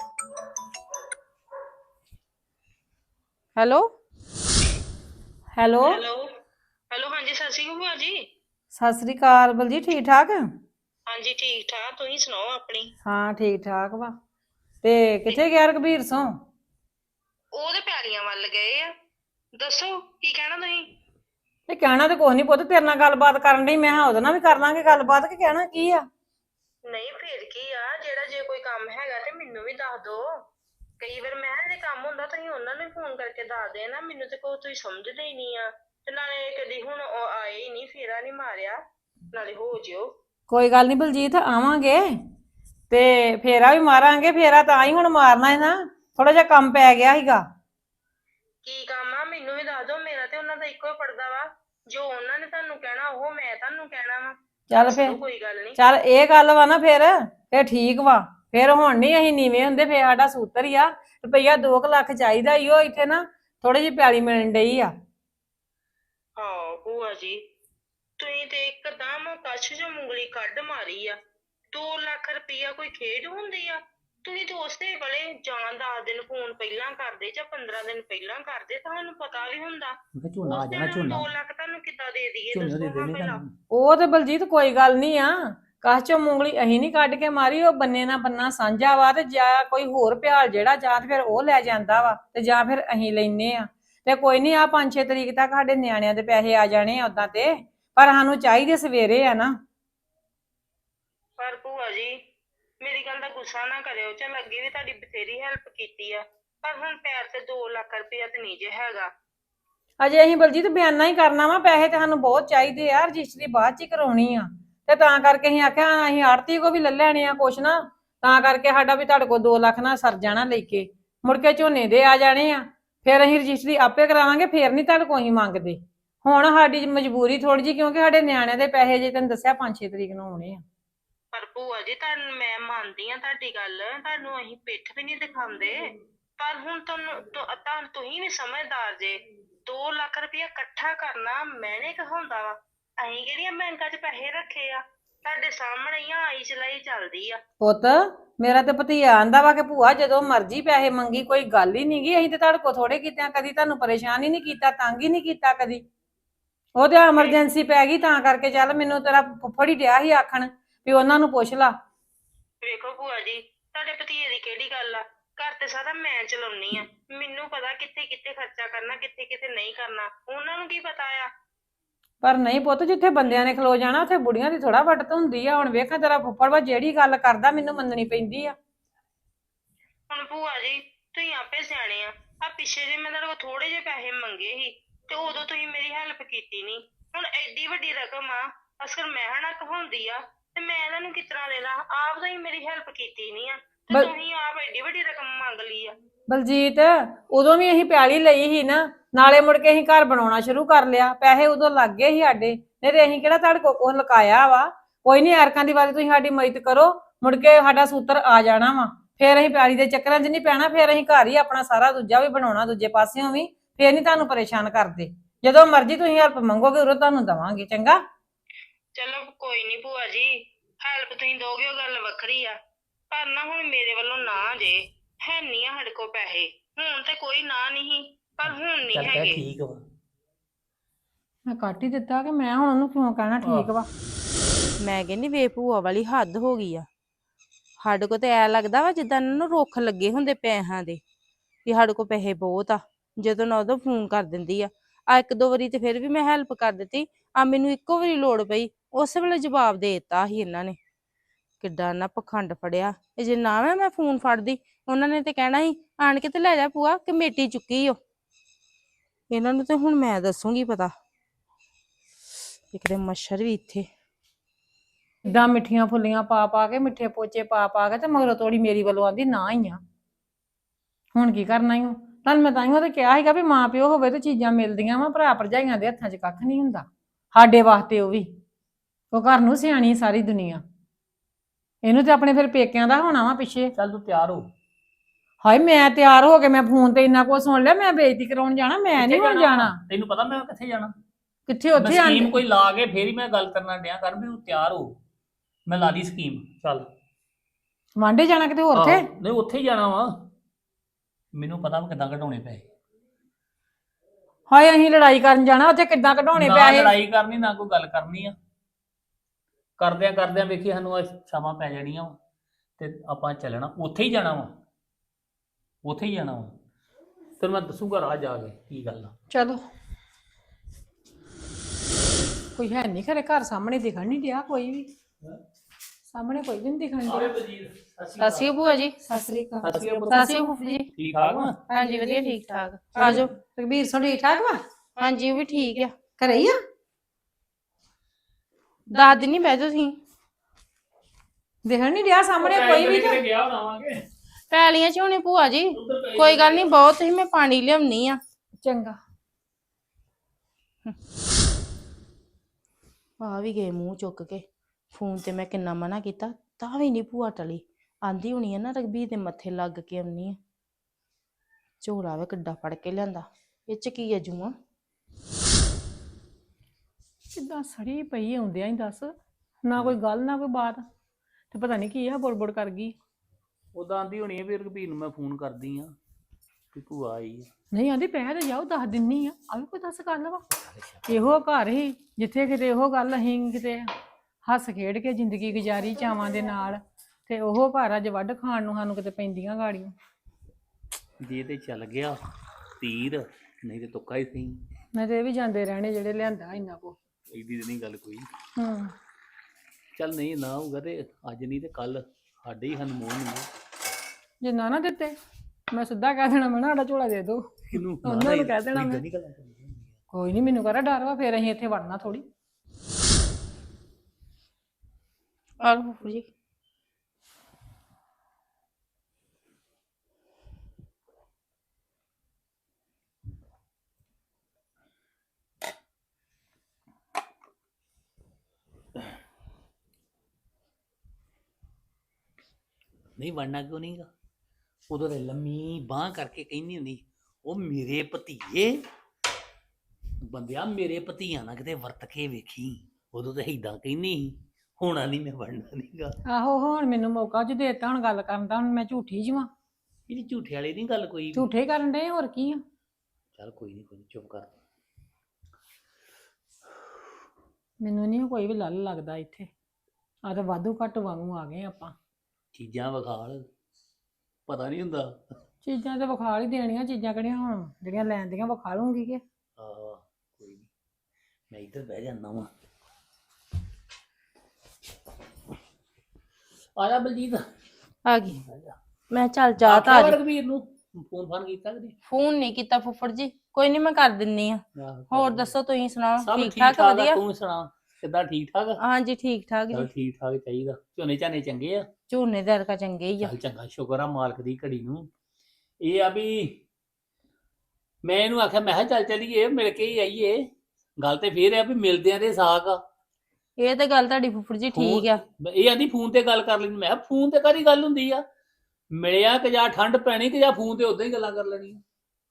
S2: ਹੈਲੋ
S4: ਹੈਲੋ,
S5: ਹੈਲੋ ਹੈਲੋ, ਹਾਂਜੀ ਸਤਿ ਸ਼੍ਰੀ ਅਕਾਲ ਭੂਆ ਜੀ।
S4: ਸਤਿ ਸ੍ਰੀ ਅਕਾਲ ਬਲਜੀ, ਠੀਕ ਠਾਕ?
S5: ਹਾਂਜੀ ਠੀਕ ਠਾਕ, ਤੁਸੀਂ ਸੁਣਾਓ ਆਪਣੀ?
S4: ਹਾਂ ਠੀਕ ਠਾਕ ਵਾ। ਤੇ ਕਿੱਥੇ ਗਿਆ ਰਘਬੀਰ ਸੋਂ?
S5: ਉਹਦੇ ਪੈਲੀਆਂ ਵੱਲ ਗਏ ਆ। ਦੱਸੋ ਕੀ ਕਹਿਣਾ ਤੁਸੀਂ?
S4: ਇਹ ਕਹਿਣਾ ਤੇ ਕੁਛ ਨੀ ਪੁੱਤ, ਤੇਰੇ ਨਾਲ ਗੱਲਬਾਤ ਕਰਨ ਡਈ, ਮੈਂ ਕਿਹਾ ਉਹਦੇ ਨਾਲ ਵੀ ਕਰ ਲਾਂਗੇ ਗੱਲਬਾਤ, ਕਿ ਕਹਿਣਾ ਕੀ ਆ?
S5: ਨਹੀਂ ਫੇਰ ਕੀ ਆ, ਜਿਹੜਾ ਜੇ ਕੋਈ ਕੰਮ ਹੈਗਾ ਤੇ ਮੈਨੂੰ ਵੀ ਦੱਸ ਦੋ। ਕਈ ਵਾਰ ਮੈਂ ਜੇ ਕੰਮ ਹੁੰਦਾ ਤੁਸੀਂ ਉਹਨਾਂ ਨੂੰ ਫੋਨ ਕਰਕੇ ਦੱਸ ਦੇਣਾ, ਮੈਨੂੰ ਤੇ ਕੋਈ ਤੁਸੀਂ ਸਮਝਦੇ ਹੀ ਨਹੀਂ ਆ। ਤੇ ਨਾਲੇ ਕਦੀ ਹੁਣ ਉਹ ਆਏ ਹੀ ਨਹੀਂ, ਫੇਰਾ ਨਹੀਂ ਮਾਰਿਆ, ਨਾਲੇ ਹੋ ਜਿਓ।
S4: ਕੋਈ ਗੱਲ ਨੀ ਬਲਜੀਤ, ਆਵਾਂਗੇ ਤੇ ਫੇਰਾ ਵੀ ਮਾਰਾਂਗੇ। ਫੇਰਾ ਤਾਂ ਹੀ ਹੁਣ ਮਾਰਨਾ ਹੈ ਨਾ, ਥੋੜਾ ਜਿਹਾ ਕੰਮ ਪੈ ਗਿਆ ਸੀਗਾ।
S5: ਕੀ ਕੰਮ ਆ ਮੈਨੂੰ ਵੀ ਦੱਸ ਦਿਓ। ਮੇਰਾ ਤੇ ਉਹਨਾਂ ਦਾ ਇੱਕੋ ਹੀ ਪੜਦਾ ਵਾ। ਜੋ ਉਹਨਾਂ ਨੇ ਤੁਹਾਨੂੰ ਕਹਿਣਾ ਉਹ ਮੈਂ ਤੁਹਾਨੂੰ ਕਹਿਣਾ ਵਾ।
S4: ਚੱਲ
S5: ਦੱਸ
S4: ਫੇਰ
S5: ਦਿਓ, ਕੋਈ ਗੱਲ ਨਹੀਂ।
S4: ਚੱਲ ਇਹ ਗੱਲ ਵਾ ਨਾ ਫੇਰ ਠੀਕ ਵਾ। ਫੇਰ ਹੁਣ ਨਹੀਂ ਅਸੀਂ ਨੀਵੇਂ ਹੁੰਦੇ, ਫੇਰ ਸਾਡਾ ਸੂਤਰ ਹੀ ਆ। ਰੁਪਈਆ 2 ਲੱਖ ਚਾਹੀਦਾ ਈ, ਉਹ ਇੱਥੇ ਨਾ ਥੋੜੀ ਜਿਹੀ ਪੈਲੀ ਮਿਲਣ ਡਈ ਆ।
S5: ਹਾਂ ਭੂਆ ਜੀ, ਤੁਸੀਂ ਤੇ ਇੱਕਦਮ ਕੱਛ ਜੋ ਉਂਗਲੀ ਕੱਢ ਮਾਰੀ ਆ। 2 ਲੱਖ ਰੁਪਈਆ ਕੋਈ ਖੇਡ ਹੁੰਦੀ ਆ? ਤੁਸੀਂ ਤੇ ਉਸੇ ਵੇਲੇ ਜਾਂ 10 ਦਿਨ ਫੋਨ ਪਹਿਲਾਂ ਕਰਦੇ ਜਾਂ 15 ਦਿਨ ਪਹਿਲਾਂ ਕਰਦੇ, ਤੁਹਾਨੂੰ ਪਤਾ ਵੀ ਹੁੰਦਾ।
S3: ਮੈਂ ਕਿਹਾ ਝੋਨਾ ਆ
S5: ਉਸੇ
S3: ਜਾਣਾ,
S5: ਵੇਲੇ
S3: ਝੋਨਾ
S5: 2 ਲੱਖ ਤੁਹਾਨੂੰ ਕਿੱਦਾਂ ਦੇ ਦਈਏ
S3: ਝੋਨੇ ਦੇ
S5: ਦੱਸੋ ਹਾਂ
S3: ਦੇਣੇ
S5: ਪਹਿਲਾਂ।
S3: ਤੁਹਾਨੂੰ।
S4: ਉਹ ਤੇ ਬਲਜੀਤ ਕੋਈ ਗੱਲ ਨਹੀਂ ਆ, ਕਾਹ ਚੋਂ ਮੂੰਗਲੀ ਅਸੀਂ ਨਹੀਂ ਕੱਢ ਕੇ ਮਾਰੀ, ਉਹ ਬੰਨੇ ਨਾਲ ਬੰਨਾ ਸਾਂਝਾ ਵਾ। ਤੇ ਜਾਂ ਕੋਈ ਹੋਰ ਭਿਆਲ ਜਿਹੜਾ ਜਾਂ ਤੇ ਫਿਰ ਉਹ ਲੈ ਜਾਂਦਾ ਵਾ ਤੇ ਜਾਂ ਫਿਰ ਅਸੀਂ ਲੈਨੇ ਆ। ਤੇ ਕੋਈ ਨਹੀਂ, ਆ 5-6 ਤਰੀਕ ਤੱਕ ਸਾਡੇ ਨਿਆਣਿਆਂ ਦੇ ਪੈਸੇ ਆ ਜਾਣੇ ਆ ਉਦਾਂ ਤੇ, ਪਰ ਸਾਨੂੰ ਚਾਹੀਦੇ ਸਵੇਰੇ ਆ ਨਾ।
S5: ਪਰ ਭੂਆ ਜੀ ਮੇਰੀ ਗੱਲ ਦਾ ਗੁੱਸਾ ਨਾ ਕਰਿਓ। ਚੱਲ ਅੱਗੇ ਵੀ ਤੁਹਾਡੀ ਬਥੇਰੀ ਹੈਲਪ ਕੀਤੀ ਆ, ਪਰ ਹੁਣ ਪੈਰ ਤੇ 2 ਲੱਖ ਰੁਪਇਆ ਤੇ ਨਹੀਂ ਜੇ ਹੈਗਾ।
S4: ਅਜੇ ਅਸੀਂ ਬਲਜੀਤ ਬਿਆਨਾ ਹੀ ਕਰਨਾ ਵਾ, ਪੈਸੇ ਤੇ ਸਾਨੂੰ ਬਹੁਤ ਚਾਹੀਦੇ ਆ, ਰਜਿਸਟਰੀ ਬਾਅਦ ਚ ਹੀ ਕਰਾਉਣੀ ਆ। ਤੇ ਤਾਂ ਕਰਕੇ ਅਸੀਂ ਆਖਿਆ ਅਸੀਂ ਆੜਤੀ ਕੋ ਵੀ ਲੈ ਲੈਣੇ ਆ ਕੁਛ ਨਾ, ਤਾਂ ਕਰਕੇ ਸਾਡਾ ਵੀ ਤੁਹਾਡੇ ਕੋਲ 2 ਲੱਖ ਨਾ ਸਰ ਜਾਣਾ ਲੈ ਕੇ। ਮੁੜ ਕੇ ਝੋਨੇ ਦੇ ਆ ਜਾਣੇ ਆ, ਫਿਰ ਅਸੀਂ ਰਜਿਸਟਰੀ ਆਪੇ ਕਰਾਵਾਂਗੇ, ਫਿਰ ਨਹੀਂ ਤੁਹਾਡੇ ਕੋਲ ਅਸੀਂ ਮੰਗਦੇ। ਹੁਣ ਸਾਡੀ ਮਜਬੂਰੀ ਥੋੜੀ ਜਿਹੀ, ਕਿਉਂਕਿ ਸਾਡੇ ਨਿਆਣਿਆਂ ਦੇ ਪੈਸੇ ਜੇ ਤੈਨੂੰ ਦੱਸਿਆ 5-6 ਤਰੀਕ ਨੂੰ ਆਉਣੇ ਆ।
S5: ਪਰ ਭੂਆ ਜੀ ਤੁਹਾਨੂੰ ਮੈਂ ਮੰਨਦੀ ਆ ਤੁਹਾਡੀ ਗੱਲ, ਤੁਹਾਨੂੰ ਅਸੀਂ ਪਿੱਠ ਵੀ ਨਹੀਂ ਦਿਖਾਉਂਦੇ। ਪਰ ਹੁਣ ਤੁਹਾਨੂੰ ਤੁਸੀਂ ਵੀ ਸਮਝਦਾਰ ਜੇ। 2 ਲੱਖ ਰੁਪਇਆ ਇਕੱਠਾ ਕਰਨਾ ਮੈਨੇ ਕਹਾਉਂਦਾ ਵਾ। ਅਸੀਂ ਕਿਹੜੀਆਂ ਬੈਂਕਾਂ 'ਚ ਪੈਸੇ ਰੱਖੇ ਆ? ਤੁਹਾਡੇ ਸਾਹਮਣੇ ਹੀ ਆਈ ਚਲਾਈ ਚੱਲਦੀ ਆ।
S4: ਪੁੱਤ ਮੇਰਾ ਤੇ ਭਤੀਆ ਆਂਦਾ ਵਾ ਕਿ ਭੂਆ ਜਦੋਂ ਮਰਜ਼ੀ ਪੈਸੇ ਮੰਗੀ, ਕੋਈ ਗੱਲ ਹੀ ਨੀ ਗੀ। ਅਸੀਂ ਤੇ ਤੁਹਾਡੇ ਕੋਲ ਥੋੜੇ ਕੀਤੇ ਆ, ਕਦੀ ਤੁਹਾਨੂੰ ਪਰੇਸ਼ਾਨ ਹੀ ਨਹੀਂ ਕੀਤਾ, ਤੰਗ ਹੀ ਨਹੀਂ ਕੀਤਾ ਕਦੀ। ਉਹ ਤੇ ਐਮਰਜੈਂਸੀ ਪੈ ਗਈ ਤਾਂ ਕਰਕੇ। ਚੱਲ ਮੈਨੂੰ ਤੇਰਾ ਫੁੱਫੜ ਹੀ ਡਿਆ ਸੀ ਆਖਣ ਵੀ ਉਹਨਾਂ ਨੂੰ ਪੁੱਛ ਲਾ।
S5: ਵੇਖੋ ਭੂਆ ਜੀ, ਤੁਹਾਡੇ ਭਤੀਏ ਦੀ ਕਿਹੜੀ ਗੱਲ ਆ? ਘਰ ਤੇ ਸਾਰਾ ਮੈਂ ਚਲਾਉਣੀ ਆ। ਮੈਨੂੰ ਪਤਾ ਕਿੱਥੇ ਕਿੱਥੇ ਖਰਚਾ ਕਰਨਾ, ਕਿੱਥੇ ਕਿੱਥੇ ਨਹੀਂ ਕਰਨਾ। ਉਹਨਾਂ ਨੂੰ ਕੀ ਪਤਾ ਆ?
S4: ਪਰ ਨਹੀਂ ਪੁੱਤ, ਜਿੱਥੇ ਬੰਦਿਆਂ ਨੇ ਖਲੋ ਜਾਣਾ ਉੱਥੇ ਬੁੜੀਆਂ ਦੀ ਥੋੜਾ ਵੱਟ ਹੁੰਦੀ ਆ। ਹੁਣ ਵੇਖਾਂ ਤੇਰਾ ਫੁੱਫੜ ਵਾ, ਜਿਹੜੀ ਗੱਲ ਕਰਦਾ ਮੈਨੂੰ ਮੰਨਣੀ ਪੈਂਦੀ ਆ।
S5: ਹੁਣ ਭੂਆ ਜੀ ਤੁਸੀਂ ਆਪੇ ਸਿਆਣੇ ਆ। ਪਿੱਛੇ ਜੇ ਮੈਂ ਤੁਹਾਡੇ ਕੋਲ ਥੋੜੇ ਜਿਹੇ ਪੈਸੇ ਮੰਗੇ ਸੀ ਤੇ ਉਦੋਂ ਤੁਸੀਂ ਮੇਰੀ ਹੈਲਪ ਕੀਤੀ ਨਹੀਂ। ਹੁਣ ਐਡੀ ਵੱਡੀ ਰਕਮ ਆ, ਅਸਲ ਮੈਂ ਹਨਾ ਕਹਾਉਂਦੀ ਆ ਤੇ ਮੈਂ ਇਹਨਾਂ ਨੂੰ ਕਿਸ ਤਰ੍ਹਾਂ ਦੇਣਾ? ਆਪ ਤੁਸੀਂ ਮੇਰੀ ਹੈਲਪ ਕੀਤੀ ਨਹੀਂ ਆ ਤੇ ਤੁਸੀਂ ਆਪ ਐਡੀ ਵੱਡੀ ਰਕਮ ਮੰਗ ਲਈ ਆ।
S4: ਬਲਜੀਤ ਉਦੋਂ ਵੀ ਅਸੀਂ ਪੈਲੀ ਲਈ ਸੀ ਨਾ, ਨਾਲੇ ਮੁੜ ਕੇ ਅਸੀਂ ਘਰ ਬਣਾਉਣਾ ਸ਼ੁਰੂ ਕਰ ਲਿਆ। ਪੈਸੇ ਉਦੋਂ ਲੱਗ ਗਏ ਸੀ ਸਾਡੇ, ਨਹੀਂ ਤੇ ਅਸੀਂ ਕਿਹੜਾ ਤੁਹਾਡੇ ਕੋਲ ਕੁਛ ਲੁਕਾਇਆ ਵਾ। ਕੋਈ ਨਹੀਂ, ਐਰਕਾਂ ਦੀ ਵਾਰੀ ਤੁਸੀਂ ਸਾਡੀ ਮਦਦ ਕਰੋ, ਮੁੜ ਕੇ ਸਾਡਾ ਸੂਤਰ ਆ ਜਾਣਾ ਵਾ। ਫਿਰ ਅਸੀਂ ਪੈਲੀ ਦੇ ਚੱਕਰਾਂ 'ਚ ਨਹੀਂ ਪੈਣਾ, ਫਿਰ ਅਸੀਂ ਘਰ ਹੀ ਆਪਣਾ ਸਾਰਾ ਦੂਜਾ ਵੀ ਬਣਾਉਣਾ, ਦੂਜੇ ਪਾਸਿਓਂ ਵੀ। ਫਿਰ ਨਹੀਂ ਤੁਹਾਨੂੰ ਪਰੇਸ਼ਾਨ ਕਰਦੇ। ਜਦੋਂ ਮਰਜ਼ੀ ਤੁਸੀਂ ਹੈਲਪ ਮੰਗੋਗੇ ਉਦੋਂ ਤੁਹਾਨੂੰ ਦੇਵਾਂਗੇ, ਚੰਗਾ?
S5: ਚਲੋ ਕੋਈ ਨਹੀਂ ਭੂਆ ਜੀ, ਹੈਲਪ ਤੁਸੀਂ ਦੋਗੇ ਉਹ ਗੱਲ ਵੱਖਰੀ ਆ। ਪਰ ਨਾ ਹੁਣ ਮੇਰੇ ਵੱਲੋਂ ਨਾ ਜੇ, ਹੈ ਨਹੀਂ ਆ ਸਾਡੇ ਕੋਲ ਪੈਸੇ। ਹੁਣ ਤੇ ਕੋਈ ਨਾ ਨਹੀਂ, ਪਰ ਹੁਣ ਨਹੀਂ
S3: ਚੱਲ ਕਹਿ
S5: ਹੈਗੇ।
S3: ਠੀਕ ਵਾ।
S4: ਮੈਂ ਕੱਟ ਹੀ ਦਿੱਤਾ ਕਿ ਮੈਂ ਹੁਣ ਉਹਨੂੰ ਕਿਉਂ ਕਹਿਣਾ ਠੀਕ ਵਾ।
S2: ਮੈਂ ਕਹਿੰਦੀ ਵੇ ਭੂਆ ਵਾਲੀ ਹੱਦ ਹੋ ਗਈ ਆ। ਸਾਡੇ ਕੋਲ ਤੇ ਐ ਲੱਗਦਾ ਵਾ ਜਿੱਦਾਂ ਇਹਨਾਂ ਨੂੰ ਰੁੱਖ ਲੱਗੇ ਹੁੰਦੇ ਪੈਸਿਆਂ ਦੇ, ਕਿ ਸਾਡੇ ਕੋਲ ਪੈਸੇ ਬਹੁਤ ਆ। ਜਦੋਂ ਨਾ ਉਦੋਂ ਫੋਨ ਕਰ ਦਿੰਦੀ ਆ। 1-2 ਵਾਰੀ ਤੇ ਫਿਰ ਵੀ ਮੈਂ ਹੈਲਪ ਕਰ ਦਿੱਤੀ। ਮੈਨੂੰ ਇੱਕੋ ਵਾਰੀ ਲੋੜ ਪਈ, ਉਸੇ ਵੇਲੇ ਜਵਾਬ ਦੇ ਦਿੱਤਾ ਸੀ ਇਹਨਾਂ ਨੇ। ਕਿੱਡਾ ਨਾ ਪਖੰਡ ਫੜਿਆ। ਇਹ ਜੇ ਨਾ ਮੈਂ ਫੋਨ ਫੜਦੀ, ਉਹਨਾਂ ਨੇ ਤੇ ਕਹਿਣਾ ਸੀ ਆਣ ਕੇ ਤੇ ਲੈ ਜਾ ਭੂਆ, ਕਮੇਟੀ ਚੁੱਕੀ ਓ। ਇਹਨਾਂ ਨੂੰ ਤੇ ਹੁਣ ਮੈਂ ਦੱਸੂਗੀ ਪਤਾ। ਇੱਕ ਤੇ ਮੱਛਰ ਵੀ ਇੱਥੇ।
S4: ਇਦਾਂ ਮਿੱਠੀਆਂ ਫੁੱਲੀਆਂ ਪਾ ਪਾ ਕੇ, ਮਿੱਠੇ ਪੋਚੇ ਪਾ ਪਾ ਕੇ, ਤੇ ਮਗਰੋਂ ਤੋੜੀ ਮੇਰੀ ਵੱਲੋਂ ਆਂਦੀ ਨਾ ਹੀ ਆ। ਹੁਣ ਕੀ ਕਰਨਾ ਈ? ਤੁਹਾਨੂੰ ਮੈਂ ਤਾਂਹੀਓ ਤੇ ਕਿਹਾ ਸੀਗਾ ਵੀ ਮਾਂ ਪਿਓ ਹੋਵੇ ਤੇ ਚੀਜ਼ਾਂ ਮਿਲਦੀਆਂ ਵਾ, ਭਰਾ ਭਰਜਾਈਆਂ ਦੇ ਹੱਥਾਂ 'ਚ ਕੱਖ ਨਹੀਂ ਹੁੰਦਾ। ਸਾਡੇ ਵਾਸਤੇ ਉਹ ਵੀ, ਉਹ ਘਰ ਨੂੰ ਸਿਆਣੀ ਸਾਰੀ ਦੁਨੀਆ। ਇਹਨੂੰ ਤੇ ਆਪਣੇ ਫਿਰ ਪੇਕਿਆਂ ਦਾ ਹੋਣਾ ਵਾ ਪਿੱਛੇ।
S3: ਚੱਲ ਤੂੰ ਤਿਆਰ ਹੋ।
S4: ਹਾਏ ਮੈਂ ਤਿਆਰ ਹੋ ਕੇ, ਮੈਂ ਫੋਨ ਤੇ ਇੰਨਾ ਕੁਝ ਸੁਣ ਲਿਆ, ਮੈਂ ਬੇਇੱਜ਼ਤੀ ਕਰਾਉਣ ਜਾਣਾ? ਮੈਂ ਨਹੀਂ ਹੁਣ ਜਾਣਾ।
S3: ਤੈਨੂੰ ਪਤਾ ਮੈਂ ਕਿੱਥੇ ਜਾਣਾ?
S4: ਕਿੱਥੇ? ਉੱਥੇ
S3: ਸਕੀਮ ਕੋਈ ਲਾ ਕੇ ਫੇਰ ਹੀ ਮੈਂ ਗੱਲ ਕਰਨਾ ਡਿਆ ਕਰ ਵੀ ਤੂੰ ਤਿਆਰ ਹੋ। ਮੈਂ ਲਾ ਦੀ ਸਕੀਮ। ਚੱਲ
S4: ਵਾਂਡੇ ਜਾਣਾ ਕਿਤੇ ਹੋਰ ਤੇ?
S3: ਨਹੀਂ ਉੱਥੇ ਹੀ ਜਾਣਾ ਵਾ। ਮੈਨੂੰ ਪਤਾ ਵਾ ਕਿੱਦਾਂ ਕਢਾਉਣੇ ਪੈਸੇ।
S4: ਹਾਏ ਅਸੀਂ ਲੜਾਈ ਕਰਨ ਜਾਣਾ ਉੱਥੇ, ਕਿੱਦਾਂ ਕਢਾਉਣੇ
S3: ਨਾ
S4: ਪੈਸੇ?
S3: ਲੜਾਈ ਕਰਨੀ ਨਾ ਕੋਈ ਗੱਲ ਕਰਨੀ ਆ। ਕਰਦਿਆਂ ਕਰਦਿਆਂ ਵੇਖੀ ਸਾਨੂੰ ਸ਼ਾਮਾਂ ਪੈ ਜਾਣੀਆਂ ਵਾ ਤੇ ਆਪਾਂ ਚੱਲਣਾ ਉੱਥੇ ਹੀ ਜਾਣਾ ਵਾ। ਉੱਥੇ ਹੀ ਜਾਣਾ ਵਾ। ਤੈਨੂੰ ਮੈਂ ਦੱਸੂਗਾ ਰਾਹ ਜਾ ਕੇ ਕੀ ਗੱਲ ਆ।
S4: ਚਲੋ, ਕੋਈ ਹੈ ਨਹੀਂ ਖਰੇ ਘਰ ਸਾਹਮਣੇ, ਦਿਖਣ ਨਹੀਂ ਡਿਆ ਕੋਈ ਵੀ। ਸਾਹਮਣੇ ਕੋਈ ਵੀ ਨਹੀਂ ਦਿਖਣ ਡਿਆ।
S2: ਸਤਿ ਸ਼੍ਰੀ ਅਕਾਲ ਭੂਆ ਜੀ।
S4: ਸਤਿ ਸ੍ਰੀ ਅਕਾਲ।
S2: ਸਤਿ ਸ਼੍ਰੀ ਅਕਾਲ ਫੁੱਫੜ ਜੀ।
S3: ਠੀਕ ਠਾਕ ਵਾ?
S2: ਹਾਂਜੀ ਵਧੀਆ, ਠੀਕ ਠਾਕ। ਆ ਜਾਓ।
S4: ਰਘਬੀਰ ਸੋ ਠੀਕ ਠਾਕ ਵਾ?
S2: ਹਾਂਜੀ ਉਹ ਵੀ ਠੀਕ ਆ।
S4: ਘਰੇ ਹੀ ਆ?
S2: ਦੱਸ ਦਿਨ ਨਹੀਂ ਬਹਿ ਜਾਓ ਤੁਸੀਂ।
S4: ਦਿਖਣ ਨਹੀਂ ਡਿਆ ਸਾਹਮਣੇ ਕੋਈ ਵੀ ਤੇ।
S3: ਗਿਆ ਬਣਾਵਾਂਗੇ
S2: ਪੈਲੀਆਂ ਚ ਹੋਣੇ ਭੂਆ ਜੀ। ਕੋਈ ਗੱਲ ਨਹੀਂ, ਬਹੁਤ ਹੀ ਮੈਂ ਪਾਣੀ ਲਿਆਉਣੀ ਆ।
S4: ਚੰਗਾ।
S2: ਆ ਵੀ ਗਏ ਮੂੰਹ ਚੁੱਕ ਕੇ। ਫੋਨ ਤੇ ਮੈਂ ਕਿੰਨਾ ਮਨਾ ਕੀਤਾ ਤਾਂ ਵੀ ਨਹੀਂ ਭੂਆ ਟਲੀ। ਆਂਦੀ ਹੋਣੀ ਆ ਨਾ ਰਘਬੀਰ ਦੇ ਮੱਥੇ ਲੱਗ ਕੇ ਆਉਣੀ ਆ। ਝੋਲਾ ਵੇ ਕਿੱਡਾ ਫੜ ਕੇ ਲਿਆਂਦਾ, ਇਹ ਚ ਕੀ ਆ ਜੂਆਂ।
S4: ਕਿੱਦਾਂ ਸੜੀ ਪਈ ਆਉਂਦਿਆਂ ਹੀ ਦੱਸ, ਨਾ ਕੋਈ ਗੱਲ ਨਾ ਕੋਈ ਬਾਤ, ਤੇ ਪਤਾ ਨਹੀਂ ਕੀ ਆ ਬੁੜਬੁੜ ਕਰ ਗਈ।
S3: ਉਦਾਂ ਆਂਦੀ ਹੋਣੀ ਆ ਵੀ ਰਘਬੀਰ ਨੂੰ ਮੈਂ ਫੋਨ ਕਰਦੀ ਆ ਕਿ ਭੂਆ ਆਈ ਆ।
S4: ਨਹੀਂ ਆਂਦੀ ਪੈ ਤੇ ਜਾਓ, ਦੱਸ ਦਿੰਨੀ ਆ ਵੀ ਕੋਈ ਦੱਸ ਗੱਲ ਵਾ। ਇਹੋ ਘਰ ਹੀ ਜਿੱਥੇ ਕਿਤੇ ਇਹੋ ਗੱਲ ਅਸੀਂ ਕਿਤੇ ਹੱਸ ਖੇਡ ਕੇ ਜ਼ਿੰਦਗੀ ਗੁਜ਼ਾਰੀ ਚਾਵਾਂ ਦੇ ਨਾਲ, ਤੇ ਉਹ ਘਰ ਅੱਜ ਵੱਢ ਖਾਣ ਨੂੰ ਸਾਨੂੰ ਕਿਤੇ ਪੈਂਦੀਆਂ ਗਾੜੀਆਂ।
S3: ਜੇ ਤੇ ਚੱਲ ਗਿਆ ਤੀਰ, ਨਹੀਂ ਤੇ ਤੁੱਕਾ ਹੀ ਸਹੀ।
S4: ਮੈਂ ਤੇ ਇਹ ਵੀ ਜਾਂਦੇ ਰਹਿਣੇ ਜਿਹੜੇ ਲਿਆਂਦਾ ਇੰਨਾ ਕੋ।
S3: ਇਹਦੀ ਤੇ ਨਹੀਂ ਗੱਲ ਕੋਈ।
S4: ਹੂੰ
S3: ਚੱਲ ਨਹੀਂ ਨਾ ਹੋਊਗਾ ਤੇ ਅੱਜ ਨਹੀਂ ਤੇ ਕੱਲ ਸਾਡੇ ਹੀ ਹਨਮੂਨ ਨੂੰ।
S4: ਜੇ ਨਾ ਦਿੱਤੇ ਮੈਂ ਸਿੱਧਾ ਕਹਿ ਦੇਣਾ ਮੈਂ ਨਾ ਸਾਡਾ ਝੋਲਾ ਦੇ ਦਿਓ।
S3: ਕਿਹਨੂੰ
S4: ਉਹਨਾਂ ਨੂੰ ਕਹਿ ਦੇਣਾ ਮੈਂ।
S3: ਨਹੀਂ ਗੱਲਾਂ ਕਰਨੀਆਂ।
S4: ਕੋਈ ਨਹੀਂ, ਮੈਨੂੰ ਕਰਾ ਡਰ ਵਾ, ਫੇਰ ਅਸੀਂ ਇੱਥੇ ਵੜਨਾ ਥੋੜੀ।
S2: ਆ ਲਓ ਫੁੱਫੜ ਜੀ।
S3: ਨਹੀਂ ਵੜਨਾ ਕਿਉਂ ਨਹੀਂਗਾ? ਉਦੋਂ ਤੇ ਲੰਮੀ ਬਾਂਹ ਕਰਕੇ ਕਹਿੰਦੀ ਹੁੰਦੀ, ਉਹ ਮੇਰੇ ਭਤੀਏ ਬੰਦਿਆ, ਮੇਰੇ ਭਤੀਆਂ ਨਾਲ ਕਿਤੇ ਵਰਤ ਕੇ ਵੇਖੀ। ਉਦੋਂ ਤੇ ਏਦਾਂ ਕਹਿੰਦੀ ਸੀ, ਹੋਣਾ ਨਹੀਂ ਮੈਂ ਵੜਨਾ ਨਹੀਂਗਾ।
S4: ਆਹੋ ਹੁਣ ਮੈਨੂੰ ਮੌਕਾ ਚ ਦੇਤਾ ਹੁਣ ਗੱਲ ਕਰਨ ਦਾ, ਹੁਣ ਮੈਂ ਝੂਠੀ ਜਵਾਂ।
S3: ਇਹਦੀ ਝੂਠੇ ਵਾਲੀ ਨਹੀਂ ਗੱਲ ਕੋਈ ਵੀ।
S4: ਝੂਠੇ ਕਰਨ ਦੇ ਹੋਰ ਕੀ ਆ।
S3: ਚੱਲ ਕੋਈ ਨਹੀਂ, ਕੋਈ ਨੀ, ਚੁੱਪ ਕਰ।
S4: ਮੈਨੂੰ ਨਹੀਂ ਕੋਈ ਵੀ ਲੱਲ ਲੱਗਦਾ ਇੱਥੇ। ਆ ਤਾਂ ਵਾਧੂ ਘੱਟ ਵਾਂਗੂ ਆ ਗਏ ਆਪਾਂ।
S3: ਚੀਜ਼ਾਂ ਵਿਖਾਲ, ਪਤਾ ਨਹੀਂ ਹੁੰਦਾ।
S4: ਚੀਜ਼ਾਂ ਤੇ ਵਿਖਾ ਹੀ ਦੇਣੀਆਂ, ਚੀਜ਼ਾਂ ਕਿਹੜੀਆਂ ਹੁਣ ਜਿਹੜੀਆਂ ਲੈਣ ਦੀਆਂ ਵਿਖਾ ਲੂੰਗੀ ਕਿ।
S3: ਆਹ ਕੋਈ ਨਹੀਂ, ਮੈਂ ਇੱਧਰ ਬਹਿ ਜਾਂਦਾ ਵਾਂ। ਆ ਜਾ ਬਲਜੀਤ,
S2: ਆ ਗਈ।
S3: ਬਹਿ ਜਾ।
S2: ਮੈਂ ਚੱਲ ਚਾਹ ਤਾਂ ਆ
S3: ਆਖਿਆ
S2: ਜੀ।
S3: ਰਘਬੀਰ ਨੂੰ ਫੋਨ ਫਾਨ ਕੀਤਾ ਕਦੀ?
S2: ਫੋਨ ਨਹੀਂ ਕੀਤਾ ਫੁੱਫੜ ਜੀ, ਕੋਈ ਨਹੀਂ ਮੈਂ ਕਰ ਦਿੰਨੀ ਆ। ਹੋਰ ਦੱਸੋ, ਤੁਸੀਂ ਸੁਣਾਓ?
S3: ਸਭ
S2: ਠੀਕ ਠਾਕ
S3: ਆ,
S2: ਵਧੀਆ?
S3: ਤੂੰ ਸੁਣਾ ਕਿੱਦਾਂ? ਠੀਕ ਠਾਕ?
S2: ਹਾਂਜੀ ਠੀਕ ਠਾਕ
S3: ਚੱਲ
S2: ਜੀ।
S3: ਠੀਕ ਠਾਕ ਚਾਹੀਦਾ। ਝੋਨੇ ਝਾਨੇ ਚੰਗੇ ਆ?
S2: ਝੋਨੇ ਦੇ ਅਰਕਾ ਚੰਗੇ ਹੀ ਆ।
S3: ਚੱਲ ਚੰਗਾ, ਸ਼ੁਕਰ ਆ ਮਾਲਕ ਦੀ ਘੜੀ ਨੂੰ। ਇਹ ਆ ਵੀ ਮੈਂ ਇਹਨੂੰ ਆਖਿਆ, ਮੈਂ ਕਿਹਾ ਚੱਲ ਚੱਲੀਏ ਮਿਲ ਕੇ ਹੀ ਆਈਏ। ਗੱਲ ਤੇ ਫੇਰ ਆ ਵੀ ਮਿਲਦਿਆਂ ਦੇ ਸਾਕ ਆ।
S2: ਇਹ ਤੇ ਗੱਲ ਤੁਹਾਡੀ ਫੁੱਫੜ ਜੀ ਠੀਕ ਆ।
S3: ਇਹ ਆਂਦੀ ਫੋਨ ਤੇ ਗੱਲ ਕਰ ਲੈਣੀ। ਮੈਂ ਕਿਹਾ ਫੋਨ ਤੇ ਕਾਹਦੀ ਗੱਲ ਹੁੰਦੀ ਆ? ਮਿਲਿਆ ਕਿ ਜਾਂ ਠੰਡ ਪੈਣੀ ਕਿ ਜਾਂ ਫੋਨ ਤੇ ਉਦਾਂ ਹੀ ਗੱਲਾਂ ਕਰ ਲੈਣੀਆਂ।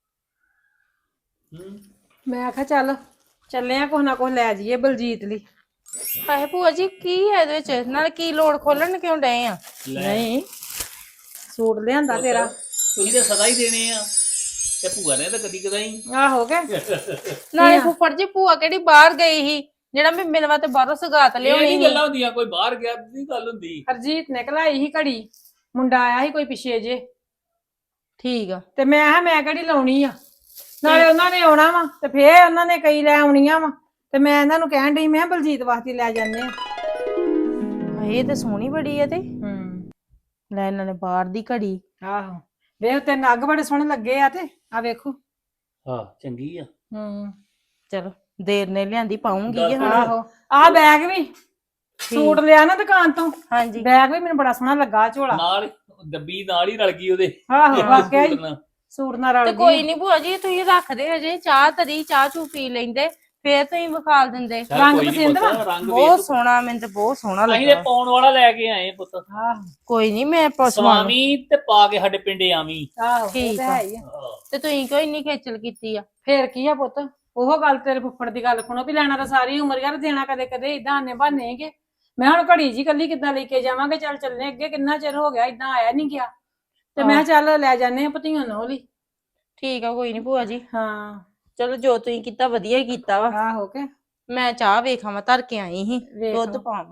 S4: ਮੈਂ ਆਖਿਆ ਚੱਲ ਚੱਲੇ ਆ, ਕੁਛ ਨਾ ਕੁਛ ਲੈ ਜਾਈਏ ਬਲਜੀਤ ਲਈ।
S2: ਪੈਸੇ ਭੂਆ ਜੀ ਕੀ ਹੈ ਇਹਦੇ ਵਿੱਚ? ਨਾਲ ਕੀ ਲੋੜ ਖੋਲਣ ਕਿਉਂ ਡਏ ਆ?
S4: ਨਹੀਂ ਸੂਟ ਲਿਆਂਦਾ ਤੇਰਾ।
S3: ਤੁਸੀਂ ਤਾਂ ਸਦਾ ਹੀ ਦੇਣੇ ਆ, ਤੇ ਭੂਆ ਨੇ ਤਾਂ ਕਦੀ ਕਦਾਈ।
S4: ਆਹੋ ਕੇ
S2: ਨਾਲੇ ਫੁੱਫੜ ਜੀ ਭੂਆ ਕਿਹੜੀ ਬਾਹਰ ਗਈ ਸੀ ਜਿਹੜਾ ਮੈਂ ਮਿਲਵਾ ਤੇ ਬਾਹਰੋਂ ਸਗਾਤ
S3: ਇਹ
S2: ਲਿਆਉਣੀ
S3: ਨਹੀਂ
S2: ਸੀ?
S3: ਗੱਲਾਂ ਹੁੰਦੀਆਂ, ਕੋਈ ਬਾਹਰ ਗਿਆ ਦੀ ਗੱਲ ਹੁੰਦੀ।
S4: ਹਰਜੀਤ ਨੇ ਘਲਾਈ ਸੀ ਘੜੀ, ਮੁੰਡਾ ਆਇਆ ਸੀ ਕੋਈ ਪਿੱਛੇ ਜੇ,
S2: ਠੀਕ ਆ।
S4: ਤੇ ਮੈਂ ਕਿਹਾ ਮੈਂ ਕਿਹੜੀ ਲਾਉਣੀ ਆ, ਨਾਲੇ ਉਹਨਾਂ ਨੇ ਆਉਣਾ ਵਾ ਤੇ ਫੇਰ ਉਹਨਾਂ ਨੇ ਕਈ ਲੈ ਆਉਣੀਆਂ ਵਾ, ਤੇ ਮੈਂ ਇਹਨਾਂ ਨੂੰ ਕਹਿਣ ਡਈ ਮੈਂ ਕਿਹਾ ਬਲਜੀਤ ਵਾਸਤੇ ਲੈ ਜਾਂਦੇ ਆ।
S2: ਇਹ ਤੇ ਸੋਹਣੀ ਬੜੀ ਆ ਤੇ ਲੈ ਇਹਨਾਂ ਨੇ ਬਾਹਰ ਦੀ ਘੜੀ।
S4: ਆਹੋ ਵੇਖ ਤੇ ਨੱਗ ਬੜੇ ਸੋਹਣੇ ਲੱਗੇ ਆ, ਤੇ ਆ ਵੇਖੋ।
S3: ਹਾਂ ਚੰਗੀ ਆ।
S2: ਚਲੋ ਦੇਰ ਨੇ ਲਿਆਂਦੀ, ਪਾਉਂਗੀ ਕਿ ਹੁਣ।
S4: ਆਹੋ ਆਹ ਬੈਗ ਵੀ ਸੂਟ ਲਿਆ ਨਾ ਦੁਕਾਨ ਤੋਂ,
S2: ਹਾਂਜੀ
S4: ਬੈਗ ਵੀ ਮੈਨੂੰ ਬੜਾ ਸੋਹਣਾ ਲੱਗਾ, ਝੋਲਾ
S3: ਨਾਲ ਡੱਬੀ ਨਾਲ ਹੀ ਰਲ ਗਈ ਉਹਦੇ।
S4: ਆਹੋ ਵਾਕਿਆ ਹੀ
S3: ਸੂਟ ਨਾਲ।
S4: ਸੂਟ ਨਾਲ ਰਲ
S2: ਤੇ
S4: ਗਈ।
S2: ਕੋਈ ਨਹੀਂ ਭੂਆ ਜੀ, ਤੁਸੀਂ ਰੱਖਦੇ ਹਜੇ ਚਾਹ ਤਰੀ, ਚਾਹ ਚੂ ਪੀ ਲੈਂਦੇ ਫੇਰ ਤੁਸੀਂ ਵਿਖਾਲ ਦਿੰਦੇ।
S3: ਚੱਲ
S4: ਰੰਗ
S3: ਕੋਈ ਨੀ
S4: ਪਸੰਦ
S3: ਪੁੱਤ,
S4: ਵਾ?
S3: ਰੰਗ
S2: ਬਹੁਤ
S3: ਵੇਖ।
S2: ਸੋਹਣਾ, ਮੈਨੂੰ ਤੇ ਬਹੁਤ ਸੋਹਣਾ
S3: ਅਸੀਂ ਤੇ
S2: ਲੱਗਾ।
S3: ਪਾਉਣ ਵਾਲਾ ਲੈ ਕੇ ਆਏ ਪੁੱਤ।
S4: ਆਹੋ
S2: ਕੋਈ ਨਹੀਂ ਮੈਂ ਸਵਾਮੀ।
S3: ਸਵਾਮੀ ਤੇ ਪਾ ਕੇ ਸਾਡੇ ਪਿੰਡੇ ਆਵੀਂ।
S4: ਆਹੋ ਇਹ
S2: ਠੀਕ
S4: ਤਾਂ
S2: ਆ।
S4: ਹੈ ਹੀ ਆ।
S2: ਤੇ ਤੁਸੀਂ ਕਿਉਂ ਇੰਨੀ ਖੇਚਲ ਕੀਤੀ ਆ?
S4: ਫੇਰ ਕੀ ਆ ਪੁੱਤ, ਉਹ ਗੱਲ ਤੇਰੇ ਫੁੱਫੜ ਦੀ ਗੱਲ ਸੁਣੋ ਵੀ ਲੈਣਾ ਤਾਂ ਸਾਰੀ ਉਮਰ ਯਾਰ, ਦੇਣਾ ਕਦੇ ਕਦੇ ਇਦਾਂ ਆਨੇ ਬਹਾਨੇਗੇ। ਮੈਂ ਹੁਣ ਘੜੀ ਜੀ ਕੱਲੀ ਕਿੱਦਾਂ ਲੈ ਕੇ ਜਾਵਾਂਗੇ? ਚੱਲ ਚੱਲਨੇ, ਅੱਗੇ ਕਿੰਨਾ ਚਿਰ ਹੋ ਗਿਆ ਇਦਾਂ ਆਇਆ ਨਹੀਂ ਗਿਆ, ਤੇ ਮੈਂ ਕਿਹਾ ਚੱਲ ਲੈ ਜਾਂਦੇ ਆ ਭਤੀਆਂ ਨੂੰ ਲਈ।
S2: ਠੀਕ ਆ, ਕੋਈ ਨਹੀਂ ਭੂਆ ਜੀ।
S4: ਹਾਂ
S2: ਚਲੋ ਜੋ ਤੁਸੀਂ ਕੀਤਾ ਵਧੀਆ ਹੀ ਕੀਤਾ ਵਾ।
S4: ਆਹੋ ਕੇ
S2: ਮੈਂ ਚਾਹ ਵੇਖਾਂ, ਮੈਂ ਧਰ ਕੇ ਆਈ ਸੀ,
S4: ਵੇਖ
S2: ਦੁੱਧ
S4: ਲਓ।
S2: ਪਾਵਾਂ।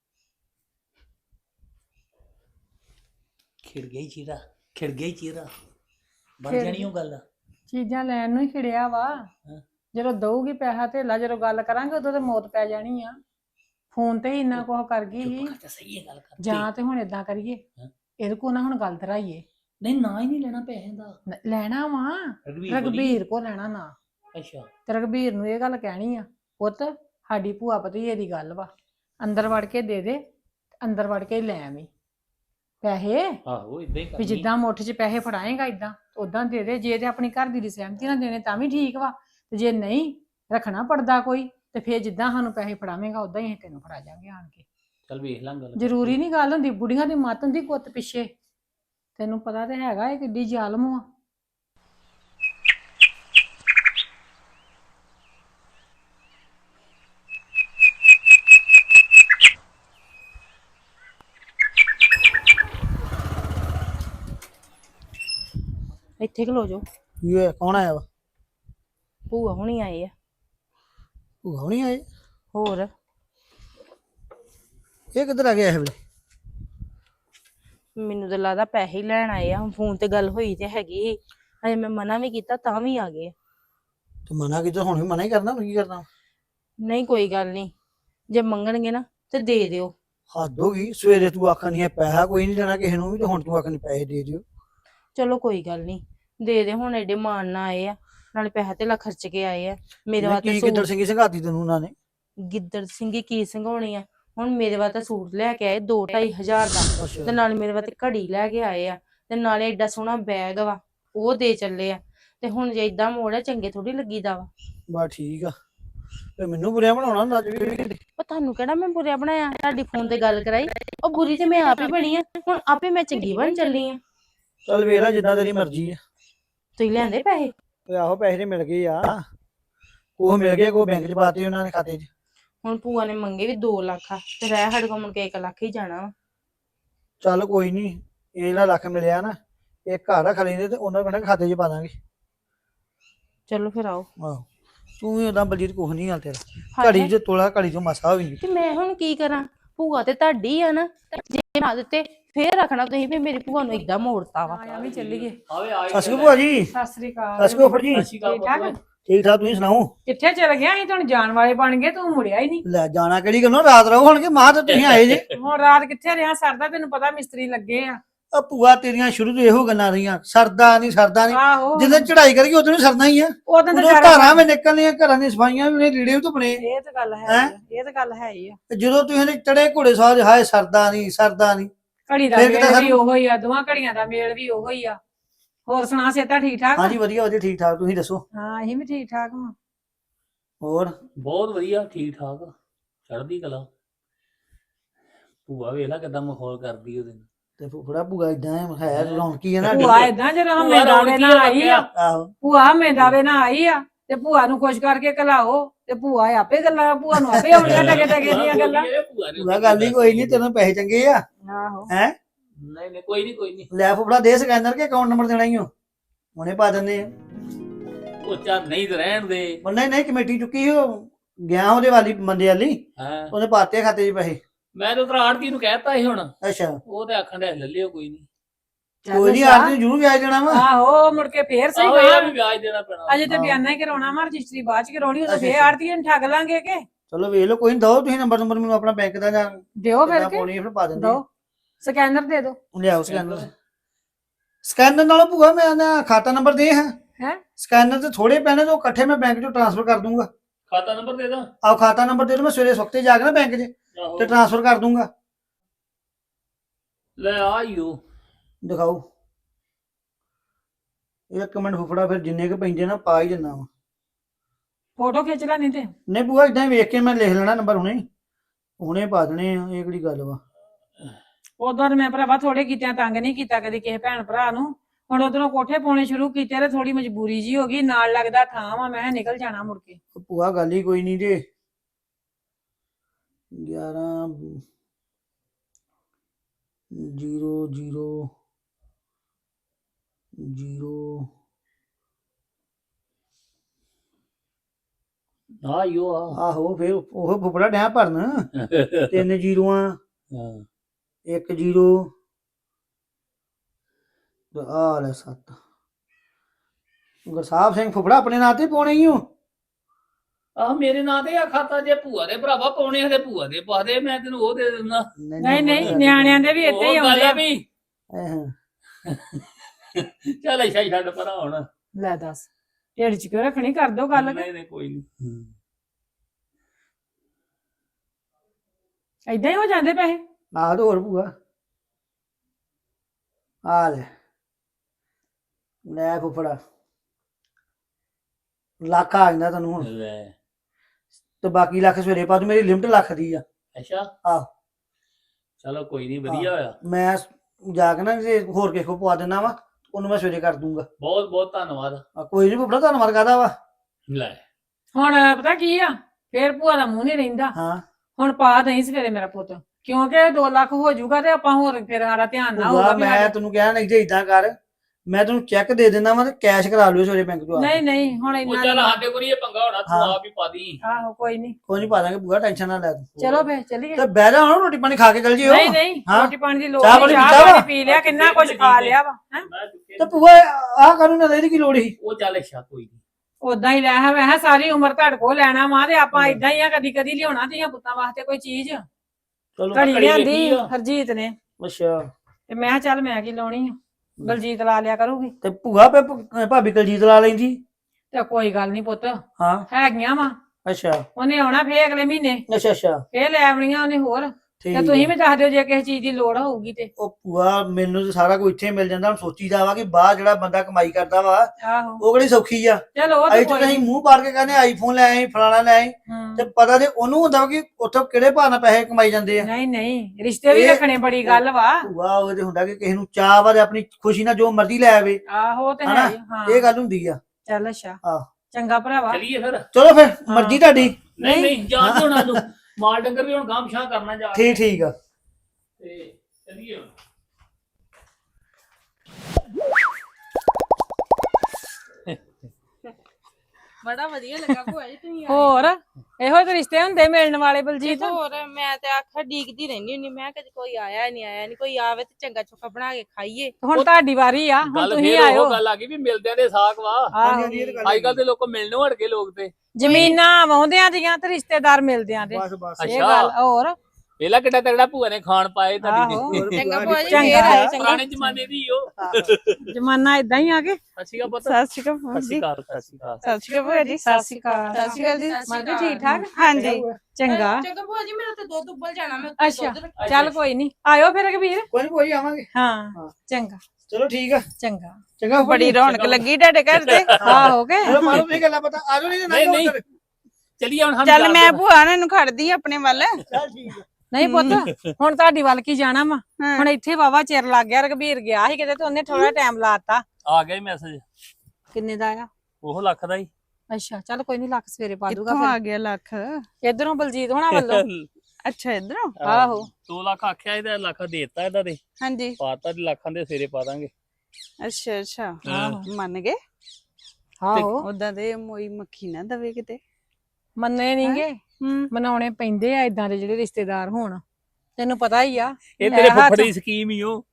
S3: ਖਿੜ ਗਈ ਚੀਰਾ, ਖਿੜ ਗਈ ਚੀਰਾ, ਬਣ
S4: ਖਿੜ
S3: ਜਾਣੀ ਉਹ ਗੱਲ।
S4: ਚੀਜ਼ਾਂ ਲੈਣ ਨੂੰ ਹੀ ਖਿੜਿਆ ਵਾ। ਜਦੋਂ ਦਊਗੀ ਪੈਸਾ ਧੇਲਾ, ਜਦੋਂ ਗੱਲ ਕਰਾਂਗੇ ਉਦੋਂ ਤੇ ਮੌਤ ਪੈ ਜਾਣੀ ਆ। ਫੋਨ ਤੇ ਹੀ ਇੰਨਾ ਕੁਝ ਕਰ ਗਈ ਸੀ।
S3: ਚੁੱਪ ਕਰ, ਸਹੀ ਹੈ ਗੱਲ ਕਰ।
S4: ਜਾਂ ਤੇ ਹੁਣ ਏਦਾਂ ਕਰੀਏ, ਇਹਦੇ ਕੋਲ ਨਾ ਹੁਣ ਗੱਲ ਧਰਾਈਏ।
S3: ਨਹੀਂ ਨਾ ਹੀ ਨਹੀਂ ਲੈਣਾ ਪੈਸੇ ਦਾ।
S4: ਲੈਣਾ ਵਾ
S3: ਰਘਬੀਰ
S4: ਰਘਬੀਰ ਕੋ ਲੈਣਾ ਨਾ,
S3: ਅੱਛਾ
S4: ਤੇ ਰਘਬੀਰ ਨੂੰ ਇਹ ਗੱਲ ਕਹਿਣੀ ਆ, ਪੁੱਤ ਸਾਡੀ ਭੂਆ ਭਤੀਜੇ ਦੀ ਗੱਲ ਵਾ, ਅੰਦਰ ਵੜ ਕੇ ਦੇ ਦੇ, ਅੰਦਰ ਵੜ ਕੇ ਲੈ ਆਵੀਂ। ਪੈਸੇ
S3: ਆਹੋ ਇਦਾਂ ਹੀ
S4: ਵੀ
S3: ਕਰਨੀ।
S4: ਜਿੱਦਾਂ ਮੁੱਠ 'ਚ ਪੈਸੇ ਫੜਾਏਗਾ ਇਦਾਂ ਉਦਾਂ ਦੇ ਦੇ। ਜੇ ਤੇ ਆਪਣੀ ਘਰ ਦੀ ਸਹਿਮਤੀ ਨਾਲ ਦੇਣੇ ਤਾਂ ਵੀ ਠੀਕ ਵਾ, ਤੇ ਜੇ ਨਹੀਂ ਰੱਖਣਾ ਪੜਦਾ ਕੋਈ ਤੇ ਫੇਰ ਜਿੱਦਾਂ ਸਾਨੂੰ ਪੈਸੇ ਫੜਾਵੇਂਗਾ ਉਦਾਂ ਹੀ ਅਸੀਂ ਤੈਨੂੰ ਫੜਾ ਜਾਾਂਗੇ ਆਣ ਕੇ।
S3: ਚੱਲ ਵੇਖ ਲਾਂ ਗੱਲ
S4: ਜ਼ਰੂਰੀ ਨਹੀਂ ਗੱਲ ਹੁੰਦੀ, ਬੁੜੀਆਂ ਦੀ ਮੱਤ ਹੁੰਦੀ ਗੁੱਤ ਪਿੱਛੇ। ਤੈਨੂੰ ਪਤਾ ਤੇ ਹੈਗਾ ਇਹ ਕਿੱਡੀ ਜ਼ਾਲਮ ਆ।
S2: ਇੱਥੇ ਖਲੋ ਜਾਓ।
S1: ਕੀ ਹੋਇਆ, ਕੌਣ ਆਇਆ ਵਾ?
S2: ਭੂਆ ਹੁਣੀ ਆਏ ਆ।
S1: ਭੂਆ ਹੁਣੀ ਆਏ?
S2: ਹੋਰ
S1: ਇਹ ਕਿੱਧਰ ਆ ਗਿਆ ਇਹ ਵੇਲੇ?
S2: ਮੈਨੂੰ ਤਾਂ ਲੱਗਦਾ ਪੈਸੇ ਹੀ ਲੈਣ ਆਏ ਆ। ਹੁਣ ਫੋਨ ਤੇ ਗੱਲ ਹੋਈ ਤੇ ਹੈਗੀ ਸੀ, ਹਜੇ ਮੈਂ ਮਨਾ ਵੀ ਕੀਤਾ ਤਾਂ ਵੀ ਆ ਗਏ।
S1: ਤੇ ਮਨਾ ਕੀਤਾ, ਹੁਣ ਵੀ ਮਨਾ ਹੀ ਕਰਨਾ, ਹੁਣ ਕੀ ਕਰਨਾ?
S2: ਨਹੀਂ ਕੋਈ ਗੱਲ ਨਹੀਂ, ਜੇ ਮੰਗਣਗੇ ਨਾ ਤੇ ਦੇ ਦਿਓ।
S1: ਹੱਦ ਹੋ ਗਈ, ਸਵੇਰੇ ਤੂੰ ਆਖਣੀ ਹੈ ਪੈਸਾ ਕੋਈ ਨਹੀਂ ਦੇਣਾ ਕਿਸੇ ਨੂੰ ਵੀ, ਤੇ ਹੁਣ ਤੂੰ ਆਖਣੀ ਪੈਸੇ ਦੇ ਦਿਓ।
S2: ਚਲੋ ਕੋਈ ਗੱਲ ਨਹੀਂ, ਦੇ ਦੇ। ਹੁਣ ਐਡੇ ਮਾਣ ਨਾਲ ਆਏ ਆ, ਨਾਲੇ ਪੈਸਾ ਧੇਲਾ ਖਰਚ ਕੇ ਆਏ ਆ ਮੇਰੇ ਵਾਸਤੇ।
S1: ਕੀ ਕਿੱਧਰ ਸਿੰਘੀ ਸੰਘਾਤੀ ਤੈਨੂੰ ਉਹਨਾਂ ਨੇ?
S2: ਗਿੱਦੜ ਸਿੰਘੀ ਕੀ ਸੰਘਾਉਣੀ ਆ? ਹੁਣ ਮੇਰੇ ਵਾਸਤੇ ਸੂਟ ਲੈ ਕੇ ਆਏ 2-2.5 ਹਜ਼ਾਰ ਦਾ,
S1: ਅੱਛਾ
S2: ਤੇ ਨਾਲੇ ਮੇਰੇ ਵਾਸਤੇ ਘੜੀ ਲੈ ਕੇ ਆਏ ਆ, ਤੇ ਨਾਲੇ ਐਡਾ ਸੋਹਣਾ ਬੈਗ ਵਾ ਉਹ ਦੇ ਚੱਲੇ ਆ। ਤੇ ਹੁਣ ਜੇ ਏਦਾਂ ਮੋੜ ਆ, ਚੰਗੇ ਥੋੜੀ ਲੱਗੀਦਾ ਵਾ।
S1: ਬਸ ਠੀਕ ਆ, ਤੇ ਮੈਨੂੰ ਬੁਰਿਆ ਬਣਾਉਣਾ ਹੁੰਦਾ ਅੱਜ ਵੀ।
S2: ਉਹ ਤੁਹਾਨੂੰ ਕਿਹੜਾ ਮੈਂ ਬੁਰਿਆ ਬਣਾਇਆ? ਤੁਹਾਡੀ ਫੋਨ ਤੇ ਗੱਲ ਕਰਾਈ, ਉਹ ਬੁਰੀ ਤੇ ਮੈਂ ਆਪ ਹੀ ਬਣੀ ਆ। ਹੁਣ ਆਪੇ ਮੈਂ ਚੰਗੀ ਬਣ ਚੱਲੀ ਆ।
S1: ਚੱਲ ਵੇਖ ਲੈ ਜਿੱਦਾਂ ਤੇਰੀ ਮਰਜ਼ੀ ਆ।
S2: ਤੁਸੀਂ ਲਿਆਂਦੇ ਪੈਸੇ?
S1: ਤੇ ਆਹੋ ਪੈਸੇ ਤੇ ਮਿਲ ਗਏ ਆ, ਉਹ ਮਿਲ ਗਏ, ਕੋਈ ਬੈਂਕ 'ਚ ਪਾਤੇ ਉਹਨਾਂ ਨੇ ਖਾਤੇ 'ਚ।
S2: ਹੁਣ ਭੂਆ ਨੇ ਮੰਗੇ ਵੀ 2 ਲੱਖ ਆ, ਤੇ ਰਹਿ ਸਾਡੇ ਕੋਲ ਮੁੜ ਕੇ 1 ਲੱਖ ਹੀ ਜਾਣਾ ਵਾ।
S1: ਚੱਲ ਕੋਈ ਨਹੀਂ, ਇਹ ਜਿਹੜਾ ਲੱਖ ਮਿਲਿਆ ਨਾ, ਇਹ ਘਰ ਰੱਖ ਲੈਂਦੇ ਤੇ ਉਹਨਾਂ ਕਹਿੰਦਾ ਖਾਤੇ 'ਚ ਪਾ ਦਾਂਗੇ।
S2: ਚਲੋ ਫਿਰ ਆਓ।
S1: ਆਹੋ ਤੂੰ ਵੀ ਉਦਾਂ ਬਲਜੀਤ ਕੁਛ ਨਹੀਂ ਹਾਲ ਤੇਰਾ,
S2: ਹਾਏ
S1: ਘੜੀ
S2: ਹਾਏ।
S1: 'ਚ ਤੋਲਾ ਘੜੀ 'ਚੋਂ ਮਸਾ ਹੋ ਗਈ।
S2: ਤੇ ਮੈਂ ਹੁਣ ਕੀ ਕਰਾਂ? ਭੂਆ ਤੇ ਤੁਹਾਡੀ ਆ ਨਾ, ਜੇ ਨਾ ਦਿੱਤੇ ਫੇਰ ਰੱਖਣਾ ਤੁਸੀਂ ਵੀ ਮੇਰੀ ਭੂਆ ਨੂੰ ਏਦਾਂ ਮੋੜਤਾ ਵਾ।
S4: ਆਇਆ ਵੀ ਚੱਲੀਏ।
S3: ਆਵੇ ਆ
S1: ਸਤਿ ਸ਼੍ਰੀ ਅਕਾਲ ਭੂਆ ਜੀ।
S4: ਸਤਿ ਸ੍ਰੀ ਅਕਾਲ।
S1: ਸਤਿ ਸ਼੍ਰੀ ਅਕਾਲ ਫੜ ਜੀ।
S3: ਸਤਿ ਸ਼੍ਰੀ ਅਕਾਲ
S4: ਠੀਕ ਠਾਕ?
S3: ਪੁੱਤ।
S1: ਠੀਕ ਠਾਕ, ਤੁਸੀਂ ਸੁਣਾਓ?
S4: ਕਿੱਥੇ ਚਲ ਗਿਆ? ਅਸੀਂ ਤੁਹਾਨੂੰ ਜਾਣ ਵਾਲੇ ਬਣ ਗਏ, ਤੂੰ ਮੁੜਿਆ ਹੀ ਨਹੀਂ।
S1: ਲੈ ਜਾਣਾ ਕਿਹੜੀ ਗੱਲੋਂ, ਰਾਤ ਰਹੋ ਹੁਣ ਕਿ ਮਾਂ ਤੇ ਤੁਸੀਂ ਆਏ ਜੇ।
S4: ਹੁਣ ਰਾਤ ਕਿੱਥੇ ਰਿਹਾ ਸਰਦਾ? ਤੈਨੂੰ ਪਤਾ ਮਿਸਤਰੀ ਲੱਗੇ ਆ।
S1: ਆ ਭੂਆ ਤੇਰੀਆਂ ਸ਼ੁਰੂ ਤੋਂ ਇਹੋ ਗੱਲਾਂ ਰਹੀਆਂ, ਸਰਦਾ ਨਹੀਂ ਸਰਦਾ ਨਹੀਂ।
S4: ਆਹੋ
S1: ਜਦੋਂ ਚੜਾਈ ਕਰੀਏ ਉਦੋਂ ਸਰਨਾ ਹੀ ਆ।
S4: ਉਦੋਂ ਤਾਂ
S1: ਉਦੋਂ ਧਾਰਾਂ ਵਿੱਚ ਨਿਕਲਣੀਆਂ, ਘਰਾਂ ਦੀਆਂ ਸਫਾਈਆਂ ਵੀ ਨੇ, ਲੀੜੇ ਵੀ ਧੁੱਪਣੇ।
S4: ਇਹ ਤਾਂ ਗੱਲ ਹੈ
S1: ਹੈਂ?
S4: ਹੀ ਆ, ਇਹ ਤਾਂ ਗੱਲ ਹੈ ਹੀ ਆ।
S1: ਤੇ ਜਦੋਂ ਤੁਸੀਂ ਨੇ ਚੜੇ ਘੋੜੇ ਸਾਜ, ਹਾਏ ਸਰਦਾ ਨਹੀਂ ਸਰਦਾ ਨਹੀਂ।
S4: ਘੜੀ ਦਾ
S1: ਫਿਰ ਕਿਤੇ
S4: ਮੇਲ ਵੀ
S1: ਸਾਨੂੰ-
S4: ਉਹੋ ਹੀ ਆ, ਦੋਵਾਂ ਘੜੀਆਂ ਦਾ ਮੇਲ ਵੀ ਉਹੋ ਹੀ ਆ। ਹੋਰ ਸੁਣਾ, ਸਿਹਤਾਂ ਠੀਕ ਠਾਕ?
S1: ਹਾਂਜੀ ਵਧੀਆ ਵਧੀਆ ਠੀਕ ਠਾਕ, ਤੁਸੀਂ ਦੱਸੋ?
S4: ਹਾਂ ਅਸੀਂ ਵੀ ਠੀਕ ਠਾਕ ਹਾਂ।
S1: ਹੋਰ
S3: ਬਹੁਤ ਵਧੀਆ, ਠੀਕ ਠਾਕ, ਚੜ੍ਹਦੀ ਕਲਾ। ਭੂਆ ਵੇਖ ਲੈ ਕਿਦਾਂ ਮਾਹੌਲ ਕਰਦੀ ਉਹਦੇ ਨਾਲ।
S1: ਤੇ ਫੁੱਫੜਾ ਭੂਆ ਇਦਾਂ ਹੈ, ਰੌਣਕੀ ਹੈ ਨਾ।
S4: ਭੂਆ ਏਦਾਂ ਜਦੋਂ
S3: ਭੂਆ
S4: ਹਮੇ ਦਾਵੇ ਨਾਲ ਆਈ ਆ,
S1: ਆਹੋ
S4: ਭੂਆ ਹਮੇ ਦਾਵੇ ਨਾਲ ਆਈ ਆ, ਤੇ ਭੂਆ ਨੂੰ ਖੁਸ਼ ਕਰਕੇ ਘਲਾਓ, ਤੇ ਭੂਆ ਆਪੇ ਗੱਲਾਂ, ਭੂਆ ਨੂੰ ਆਪੇ ਆਉਣੀਆਂ ਟਕੇ ਟਕੇ ਦੀਆਂ ਗੱਲਾਂ।
S1: ਭੂਆ ਗੱਲ ਹੀ ਕੋਈ ਨਹੀਂ, ਤੈਨੂੰ ਪੈਸੇ ਚੰਗੇ ਆ
S4: ਆਹੋ
S1: ਹੈ।
S3: ਨਹੀਂ ਨਹੀਂ ਕੋਈ ਨਹੀਂ ਕੋਈ ਨਹੀਂ।
S1: ਲੈ ਫੁੱਫੜਾ ਦੇ ਸਕੈਨਰ ਕੇ ਅਕਾਊਂਟ ਨੰਬਰ ਦੇਣਾ ਹੀ ਹੋ, ਹੁਣੇ ਪਾ ਦਿੰਦੇ ਆ।
S3: ਉਹ ਚੱਲ ਨਹੀਂ ਤੇ ਰਹਿਣ ਦੇ।
S1: ਨਹੀਂ ਨਹੀਂ ਕਮੇਟੀ ਚੁੱਕੀ ਸੀ, ਉਹ ਗਿਆ ਉਹਦੇ ਵਾਲੀ ਬੰਦੇ ਵਾਲੀ,
S3: ਹਾਂ
S1: ਉਹਨੇ ਪਾਤੇ ਖਾਤੇ 'ਚ ਪੈਸੇ।
S3: ਮੈਂ ਤਾਂ ਆੜਤੀ ਨੂੰ ਕਹਿਤਾ ਸੀ ਹੁਣ,
S1: ਅੱਛਾ
S3: ਉਹ ਤੇ ਆਖਣ ਦੇ ਲੈ ਲਿਓ ਕੋਈ ਨਹੀਂ।
S1: ਕੋਈ ਨਹੀਂ, ਆਰਤੀ ਜ਼ਰੂਰ ਵਿਆਜ ਦੇਣਾ ਵਾ।
S4: ਆਹੋ ਮੁੜ ਕੇ ਫੇਰ ਸਹੀ
S3: ਆਹੋ ਇਹ
S4: ਗੱਲ।
S3: ਵੀ ਵਿਆਜ ਦੇਣਾ ਪੈਣਾ।
S4: ਅਜੇ ਤੇ ਬਿਆਨਾ ਹੀ ਕਰਾਉਣਾ ਵਾ, ਰਜਿਸਟਰੀ ਬਾਅਦ ਚ ਕਰਾਉਣੀ, ਉਦੋਂ
S1: ਅੱਛਾ,
S4: ਫੇਰ
S1: ਅੱਛਾ।
S4: ਆੜਤੀਆਂ ਨੂੰ ਠੱਗ ਲਾਂਗੇ ਕਿ
S1: ਚਲੋ ਵੇਖ ਲਓ, ਕੋਈ ਨਹੀਂ, ਦੋ ਤੁਸੀਂ ਨੰਬਰ ਮੈਨੂੰ ਆਪਣਾ ਬੈਂਕ ਦਾ ਜਾਂ
S4: ਦਿਓ ਫਿਰ ਕੇ
S1: ਪਾਉਣੀ ਫਿਰ ਪਾ ਦਿੰਦੇ ਆ।
S4: ਦੋ ਸਕੈਨਰ ਦੇ ਦੋ।
S1: ਲਿਆਓ ਸਕੈਨਰ। ਸਕੈਨਰ ਨਾਲੋਂ ਭੂਆ ਮੈਂ ਨਾ ਖਾਤਾ ਨੰਬਰ ਦੇ ਹਾਂ।
S4: ਹੈਂ?
S1: ਸਕੈਨਰ ਤੇ ਥੋੜੇ ਪੈਣੇ, ਤੇ ਉਹ ਇਕੱਠੇ ਮੈਂ ਬੈਂਕ 'ਚੋਂ ਟ੍ਰਾਂਸਫਰ ਕਰ ਦੂੰਗਾ।
S3: ਖਾਤਾ ਨੰਬਰ ਦੇ ਦਾਂ।
S1: ਆਓ ਖਾਤਾ ਨੰਬਰ ਦੇ ਦਿਓ, ਮੈਂ ਸਵੇਰੇ ਸੁਖਤੇ ਜਾ ਕੇ ਨਾ ਬੈਂਕ 'ਚ
S3: ਆਹੋ
S1: ਤੇ ਟ੍ਰਾਂਸਫਰ ਕਰ ਦੂੰਗਾ।
S3: ਲੈ ਆਈਓ।
S1: ਦਿਖਾਓ। ਇੱਕ ਮਿੰਟ ਫੁੱਫੜਾ, ਫਿਰ ਜਿੰਨੇ ਕੁ ਪੈਂਦੇ ਨਾ ਪਾ ਹੀ ਦਿੰਦਾ ਵਾ।
S4: ਫੋਟੋ ਖਿੱਚ ਲੈ ਨਹੀਂ ਤੇ।
S1: ਨਹੀਂ ਭੂਆ ਇਦਾਂ ਵੇਖ ਕੇ ਮੈਂ ਲਿਖ ਲੈਣਾ ਨੰਬਰ, ਹੁਣੇ ਹੁਣੇ ਪਾ ਦੇਣੇ ਆ, ਇਹ ਕਿਹੜੀ ਗੱਲ ਵਾ।
S4: ਉਦੋਂ ਮੈਂ ਭਰਾਵਾ ਥੋੜੇ ਕੀਤਿਆਂ ਤੰਗ ਨਹੀਂ ਕੀਤਾ ਕਦੇ ਕਿਸੇ ਭੈਣ ਭਰਾ ਨੂੰ। ਹੁਣ ਉਧਰੋਂ ਕੋਠੇ ਪਾਉਣੇ ਸ਼ੁਰੂ ਕੀਤੇ ਤੇ ਥੋੜੀ ਮਜਬੂਰੀ ਜੀ ਹੋ ਗਈ, ਨਾਲ ਲੱਗਦਾ ਥਾਂ ਵਾ, ਮੈਂ ਕਿਹਾ ਨਿਕਲ ਜਾਣਾ ਮੁੜ ਕੇ।
S1: ਉਹ ਭੂਆ ਗੱਲ ਹੀ ਕੋਈ ਨਹੀਂ ਜੇ। 11 0 0 0
S3: ਆਈਓ ਆ।
S1: ਆਹੋ ਫਿਰ ਉਹ ਫੁੱਫੜਾ ਡਿਆ ਭਰਨ। 3 ਜ਼ੀਰੋਆਂ,
S3: ਹਾਂ
S1: 1 0 ਆ ਲੈ 7। ਗੁਰਸਾਹਿਬ ਸਿੰਘ ਫੁੱਫੜਾ ਆਪਣੇ ਨਾਂ ਤੇ ਪਾਉਣੇ ਹੀ ਹੋ।
S3: ਆਹ ਮੇਰੇ ਨਾਂ ਤੇ ਆ ਖਾਤਾ, ਜੇ ਭੂਆ ਦੇ ਭਰਾਵਾ ਪਾਉਣੇ ਆ ਤੇ ਭੂਆ ਦੇ ਪਾ ਦੇ, ਮੈਂ ਤੈਨੂੰ ਉਹ ਦੇ ਦਿੰਦਾ।
S4: ਨਹੀਂ ਨਹੀਂ ਨਿਆਣਿਆਂ ਦੇ ਵੀ ਇੱਥੇ ਹੀ
S3: ਉਹ ਗੱਲ
S4: ਆਉਂਦੇ
S3: ਆ
S4: ਆ।
S3: ਵੀ ਚੱਲ ਅੱਛਾ ਛੱਡ ਪਰਾਂ ਹੁਣ।
S4: ਲੈ ਦੱਸ, ਢੇੜ ਚ ਕਿਉਂ ਰੱਖਣੀ? ਕਰ ਦੋ ਗੱਲ।
S3: ਨਹੀਂ ਨਹੀਂ ਕੋਈ ਨਹੀਂ।
S4: ਏਦਾਂ ਹੀ ਹੋ ਜਾਂਦੇ ਪੈਸੇ।
S1: ਆਹ ਤੇ ਹੋਰ ਭੂਆ ਆ ਲੈ ਫੁੱਫੜਾ ਲੱਖ ਆ ਜਾਂਦਾ ਤੈਨੂੰ ਹੁਣ
S3: ਲੈ
S1: ਤੇ ਬਾਕੀ ਲੱਖ ਸਵੇਰੇ ਪਾ ਦੂੰ ਮੇਰੀ ਲਿਮਟ ਲੱਖ ਦੀ ਆ
S3: ਅੱਛਾ
S1: ਆਹੋ।
S3: ਚਲੋ ਕੋਈ ਨਹੀਂ ਵਧੀਆ ਹੋਇਆ।
S1: ਮੈਂ ਜਾ ਕੇ ਨਾ ਜੇ ਹੋਰ ਕਿਸੇ ਕੋ ਪਵਾ ਦੇਣਾ ਵਾ ਉਹਨੂੰ ਮੈਂ ਸਵੇਰੇ ਕਰ ਦੂੰਗਾ।
S3: ਬਹੁਤ ਬਹੁਤ ਧੰਨਵਾਦ।
S1: ਕੋਈ ਨਹੀਂ ਫੁੱਫੜਾ ਧੰਨਵਾਦ ਕਾਹਦਾ ਵਾ।
S3: ਲੈ
S4: ਹੁਣ ਪਤਾ ਕੀ ਆ, ਫੇਰ ਭੂਆ ਦਾ ਮੂੰਹ ਨਹੀਂ ਰਹਿੰਦਾ।
S1: ਹਾਂ
S4: ਹੁਣ ਪਾ ਦੇਈ ਸਵੇਰੇ ਮੇਰਾ ਪੁੱਤ, ਕਿਉਂਕਿ 2 ਲੱਖ ਹੋ ਜਾਊਗਾ ਤੇ ਆਪਾਂ ਹੋਰ ਫਿਰ ਸਾਡਾ ਧਿਆਨ ਨਾ ਹੋਊਗਾ
S1: ਭੂਆ
S4: ਵੀ
S1: ਮੈਂ
S4: ਸਾਡੇ-
S1: ਤੈਨੂੰ ਕਿਹਾ ਨਹੀਂ ਜੇ ਇਦਾਂ ਕਰ ਮੈਂ ਤੈਨੂੰ ਚੈੱਕ ਦੇ ਦਿੰਦਾ ਵਾ ਤੇ ਕੈਸ਼ ਕਰਾ ਲਿਓ ਸਵੇਰੇ ਬੈਂਕ ਤੋਂ ਆ ਕੇ।
S4: ਨਹੀਂ ਨਹੀਂ ਹੁਣ
S3: ਉਹ
S4: ਇੰਨਾ
S3: ਚੱਲ
S4: ਨੀ-
S3: ਸਾਡੇ ਕੋਲ ਇਹ ਪੰਗਾ ਹੋਣਾ ਤੂੰ
S1: ਹਾਂ।
S3: ਆਪ ਹੀ ਪਾ ਦੀ।
S4: ਆਹੋ ਕੋਈ ਨਹੀਂ,
S1: ਕੋਈ ਨਹੀਂ ਪਾ ਦਾਂਗੇ ਭੂਆ ਟੈਨਸ਼ਨ ਨਾ ਲੈ ਤੂੰ।
S4: ਚਲੋ ਫੇਰ ਚੱਲੀਏ।
S1: ਤੇ ਬਹਿ ਜਾ ਹੁਣ ਰੋਟੀ ਪਾਣੀ ਖਾ ਕੇ ਚੱਲ ਜਿਓ।
S4: ਨਹੀਂ ਨਹੀਂ
S1: ਹਾਂ।
S4: ਰੋਟੀ ਪਾਣੀ ਦੀ ਲੋੜ
S1: ਚਾਹ
S4: ਨਹੀਂ,
S1: ਪਾਣੀ
S4: ਚਾਹ
S1: ਪੀਤਾ ਵਾ?
S4: ਪਾਣੀ ਪੀ ਲਿਆ, ਕਿੰਨਾ ਕੁਝ ਖਾ ਲਿਆ ਵਾ ਹੈਂ।
S3: ਮੈਂ ਚੁੱਕੇ
S1: ਤੇ ਭੂਆ ਆਹ ਕਾਨੂੰਨ ਨਾ ਇਹਦੀ ਕੀ ਲੋੜ ਸੀ।
S3: ਉਹ ਚੱਲ ਅੱਛਾ ਕੋਈ ਨਹੀਂ।
S4: ਉਦਾਂ ਹੀ ਲੈ ਮੈਂ ਕਿਹਾ ਸਾਰੀ ਉਮਰ ਤੁਹਾਡੇ ਕੋਲ ਲੈਣਾ ਵਾ ਤੇ ਆਪਾਂ ਇਦਾਂ ਹੀ ਆ ਕਦੀ ਕਦੀ ਲਿਆਉਣਾ ਧੀਆਂ ਪੁੱਤਾਂ ਵਾਸਤੇ ਕੋਈ ਚੀਜ਼।
S1: ਚਲੋ
S4: ਘੜੀ
S3: ਘੜੀ
S4: ਲਿਆਂਦੀ
S3: ਵੇਖੀ ਆ।
S4: ਹਰਜੀਤ ਨੇ
S1: ਅੱਛਾ
S4: ਤੇ ਮੈਂ ਕਿਹਾ ਚੱਲ ਮੈਂ ਕੀ ਲਾਉਣੀ ਆ, ਬਲਜੀਤ ਲਾ ਲਿਆ ਕਰੂਗੀ।
S1: ਤੇ ਭੂਆ ਭਾਬੀ ਕਲਜੀਤ ਲਾ ਲੈਂਦੀ।
S4: ਤੇ ਕੋਈ ਗੱਲ ਨਹੀਂ ਪੁੱਤ,
S1: ਹਾਂ
S4: ਹੈਗੀਆਂ ਵਾ,
S1: ਅੱਛਾ
S4: ਉਹਨੇ ਆਉਣਾ ਫੇਰ ਅਗਲੇ ਮਹੀਨੇ,
S1: ਅੱਛਾ ਅੱਛਾ
S4: ਫੇਰ ਲੈ ਆਉਣੀਆਂ ਉਹਨੇ ਹੋਰ।
S1: ਠੀਕ
S4: ਤੇ ਤੁਸੀਂ ਵੀ ਦੱਸ ਦਿਓ ਜੇ ਕਿਸੇ ਚੀਜ਼ ਦੀ ਲੋੜ ਹੋਊਗੀ ਤੇ।
S1: ਉਹ ਭੂਆ ਮੈਨੂੰ ਤਾਂ ਸਾਰਾ ਕੁਝ ਇੱਥੇ ਮਿਲ ਜਾਂਦਾ। ਹੁਣ ਸੋਚੀਦਾ ਵਾ ਕਿ ਬਾਹਰ ਜਿਹੜਾ ਬੰਦਾ ਕਮਾਈ ਕਰਦਾ ਵਾ
S4: ਆਹੋ
S1: ਉਹ ਕਿਹੜੀ ਸੌਖੀ ਆ।
S4: ਚਲੋ ਉਹ ਤੇ
S1: ਅਸੀਂ
S4: ਕੋਈ
S1: ਤਾਂ ਅਸੀਂ ਮੂੰਹ ਪਾੜ ਕੇ ਕਹਿੰਦੇ ਆਈਫੋਨ ਲੈ ਆਈ ਫਲਾਣਾ ਲੈ ਆਈ
S4: ਹਮ।
S1: ਤੇ ਪਤਾ ਤੇ ਉਹਨੂੰ ਹੁੰਦਾ ਵਾ ਕਿ ਉੱਥੋਂ ਕਿਹੜੇ ਭਾਅ ਨਾਲ ਪੈਸੇ ਕਮਾਈ ਜਾਂਦੇ ਆ।
S4: ਨਹੀਂ ਨਹੀਂ ਰਿਸ਼ਤੇ ਵੀ
S1: ਇਹ-
S4: ਰੱਖਣੇ ਬੜੀ ਗੱਲ ਵਾ।
S1: ਭੂਆ ਉਹ ਤੇ ਹੁੰਦਾ ਕਿ ਕਿਸੇ ਨੂੰ ਚਾਹ ਵਾ ਤੇ ਆਪਣੀ ਖੁਸ਼ੀ ਨਾਲ ਜੋ ਮਰਜ਼ੀ ਲੈ ਆਵੇ।
S4: ਆਹੋ ਉਹ ਤੇ
S1: ਹਨਾ?
S4: ਹੈ ਹੀ, ਹਾਂ
S1: ਇਹ ਗੱਲ ਹੁੰਦੀ ਆ।
S4: ਚੱਲ ਅੱਛਾ
S1: ਆਹ।
S4: ਚੰਗਾ ਭਰਾਵਾ।
S3: ਚਲੀਏ ਫਿਰ।
S1: ਚਲੋ ਫਿਰ ਮਰਜ਼ੀ ਤੁਹਾਡੀ।
S3: ਨਹੀਂ ਨਹੀਂ ਜਾਣ ਦੋ ਨਾ ਤੂੰ, ਮਾਲ ਡੰਗਰ ਵੀ ਹੁਣ ਗਾਂਹ ਪਛਾਂ ਕਰਨਾ ਜਾ ਕੇ।
S1: ਠੀਕ ਆ
S3: ਤੇ ਚਲੀਏ ਹੁਣ।
S2: ਬੜਾ ਵਧੀਆ ਲੱਗਾ ਭੂਆ ਜੀ ਤੁਸੀਂ ਆਏ।
S4: ਹੋਰ ਇਹੋ ਜਿਹੇ ਰਿਸ਼ਤੇ ਹੁੰਦੇ ਮਿਲਣ ਵਾਲੇ
S2: ਤੇ
S4: ਬਲਜੀਤ।
S2: ਹੋਰ ਮੈਂ ਤੇ ਆਖਾ ਡੀਕਦੀ ਰਹਿੰਦੀ ਹੁੰਨੀ, ਮੈਂ ਕਦੇ ਕੋਈ ਆਇਆ ਨਹੀਂ ਕੋਈ ਆਵੇ ਤੇ ਚੰਗਾ ਚੋਖਾ ਬਣਾ ਕੇ ਖਾਈਏ।
S4: ਹੁਣ ਤੁਹਾਡੀ ਵਾਰੀ ਆ, ਹੁਣ
S3: ਗੱਲ
S4: ਤੁਸੀਂ
S3: ਫੇਰ
S4: ਆਇਓ।
S3: ਉਹ ਗੱਲ ਆ ਗਈ ਵੀ ਮਿਲਦਿਆਂ ਦੇ ਸਾਕ ਵਾ।
S4: ਆਹੋ।
S3: ਅੱਜ ਕੱਲ ਦੇ ਲੋਕ ਮਿਲਣੋਂ ਹਟ ਗਏ ਲੋਕ ਤੇ।
S4: ਜ਼ਮੀਨਾਂ ਵਾਹੁੰਦਿਆਂ ਦੀਆਂ ਤੇ ਰਿਸ਼ਤੇਦਾਰ ਮਿਲਦਿਆਂ ਦੇ,
S1: ਬਸ ਬਸ
S4: ਇਹ ਗੱਲ ਹੋਰ।
S3: ਵੇਲਾ ਕਿੱਡਾ ਤਗੜਾ ਭੂਆ ਨੇ ਖਾਣ ਪਾਏ ਤੁਹਾਡੀ
S4: ਆਹੋ।
S3: ਨੇ।
S2: ਚੰਗਾ ਭੂਆ ਜੀ
S4: ਚੰਗਾ।
S2: ਫੇਰ ਆਇਓ ਚੰਗਾ।
S3: ਪੁਰਾਣੇ ਜ਼ਮਾਨੇ ਦੀ ਉਹ।
S4: ਜ਼ਮਾਨਾ ਇਦਾਂ ਹੀ ਆ ਕੇ।
S3: ਸਤਿ ਸ਼੍ਰੀ ਅਕਾਲ ਪੁੱਤ।
S6: ਸਤਿ ਸ਼੍ਰੀ ਅਕਾਲ
S3: ਸਤਿ ਸ਼੍ਰੀ ਅਕਾਲ ਸਤਿ ਸ਼੍ਰੀ ਅਕਾਲ।
S6: ਸਤਿ ਸ਼੍ਰੀ ਅਕਾਲ ਜੀ।
S4: ਸਤਿ ਸ਼੍ਰੀ ਅਕਾਲ।
S6: ਸਤਿ ਸ਼੍ਰੀ ਅਕਾਲ ਜੀ।
S4: ਮਾਤਾ ਠੀਕ ਠਾਕ?
S6: ਹਾਂਜੀ
S4: ਚੰਗਾ।
S2: ਚੰਗਾ ਭੂਆ ਜੀ ਮੇਰਾ ਤੇ ਦੁੱਧ ਉੱਬਲ ਜਾਣਾ, ਮੈਂ ਉੱਤੇ
S4: ਅੱਛਾ
S2: ਦੁੱਧ ਰੱਖ-
S4: ਚੱਲ ਕੋਈ ਨਹੀਂ, ਆਇਓ ਫਿਰ ਕਬੀਰ।
S1: ਕੋਈ ਆਵਾਂਗੇ।
S4: ਹਾਂ
S1: ਹਾਂ।
S4: ਚੰਗਾ
S1: ਚਲੋ ਠੀਕ ਆ
S4: ਚੰਗਾ।
S1: ਚੰਗਾ
S6: ਬੜੀ ਰੌਣਕ ਲੱਗੀ ਤੁਹਾਡੇ ਘਰ ਤੇ।
S4: ਆਹੋ ਕੇ
S1: ਚਲੋ ਮਾਰੋ ਤੁਸੀਂ ਗੱਲਾਂ ਪਤਾ ਆ ਜਾਓ ਨਹੀਂ
S3: ਨਹੀਂ ਨਹੀਂ ਚਲੀਏ ਹੁਣ।
S6: ਚੱਲ ਮੈਂ ਭੂਆ ਨੂੰ ਖੜਦੀ ਆ ਆਪਣੇ ਵੱਲ।
S1: ਚੱਲ ਠੀਕ ਆ।
S4: ਨਹੀਂ ਪੁੱਤ ਹੁਣ ਤੁਹਾਡੀ ਵੱਲ ਕੀ ਜਾਣਾ ਵਾ,
S6: ਹਾਂ।
S4: ਹੁਣ ਇੱਥੇ ਵਾਵਾ ਚਿਰ ਲੱਗ ਗਿਆ, ਰਘਬੀਰ ਗਿਆ ਸੀ ਕਿਤੇ ਤੇ ਉਹਨੇ ਥੋੜਾ ਟਾਈਮ ਲਾਤਾ।
S3: ਆ ਗਿਆ ਮੈਸੇਜ
S4: ਕਿੰਨੇ ਦਾ ਆ?
S3: ਉਹ ਲੱਖ ਦਾ ਹੀ।
S4: ਅੱਛਾ ਚੱਲ ਕੋਈ ਨਹੀਂ, ਲੱਖ ਸਵੇਰੇ ਪਾ ਦੂਗਾ
S6: ਕਿੱਥੋਂ ਆ
S4: ਫਿਰ।
S6: ਗਿਆ ਲੱਖ?
S4: ਇਧਰੋਂ ਬਲਜੀਤ ਹੋਣਾ ਵੱਲੋਂ।
S6: ਅੱਛਾ ਇਧਰੋਂ।
S4: ਆਹੋ
S3: 2 ਲੱਖ ਆਖਿਆ ਇਹਦਾ ਲੱਖ ਦੇਤਾ ਇਹਦਾ ਤੇ
S6: ਹਾਂਜੀ
S3: ਪਾਤਾ ਤੇ ਲੱਖਾਂ ਦੇ ਸਵੇਰੇ ਪਾ ਦਾਂਗੇ।
S6: ਅੱਛਾ ਅੱਛਾ
S3: ਆਹੋ।
S6: ਮੰਨ ਗਏ।
S4: ਆਹੋ
S6: ਉਦਾਂ ਦੇ ਮੋਈ ਮੱਖੀ ਨਾ ਦਵੇ ਕਿਤੇ।
S4: ਮੰਨੇ ਨਹੀਂਗੇ,
S6: ਹੂੰ।
S4: ਮਨਾਉਣੇ ਪੈਂਦੇ ਆ ਇਦਾਂ ਦੇ ਜਿਹੜੇ ਰਿਸ਼ਤੇਦਾਰ ਹੋਣ। ਤੈਨੂੰ ਪਤਾ ਹੀ ਆ
S3: ਇਹ ਤੇਰੇ ਫੁੱਫੜ ਦੀ ਸਕੀਮ ਹੀ ਉਹ।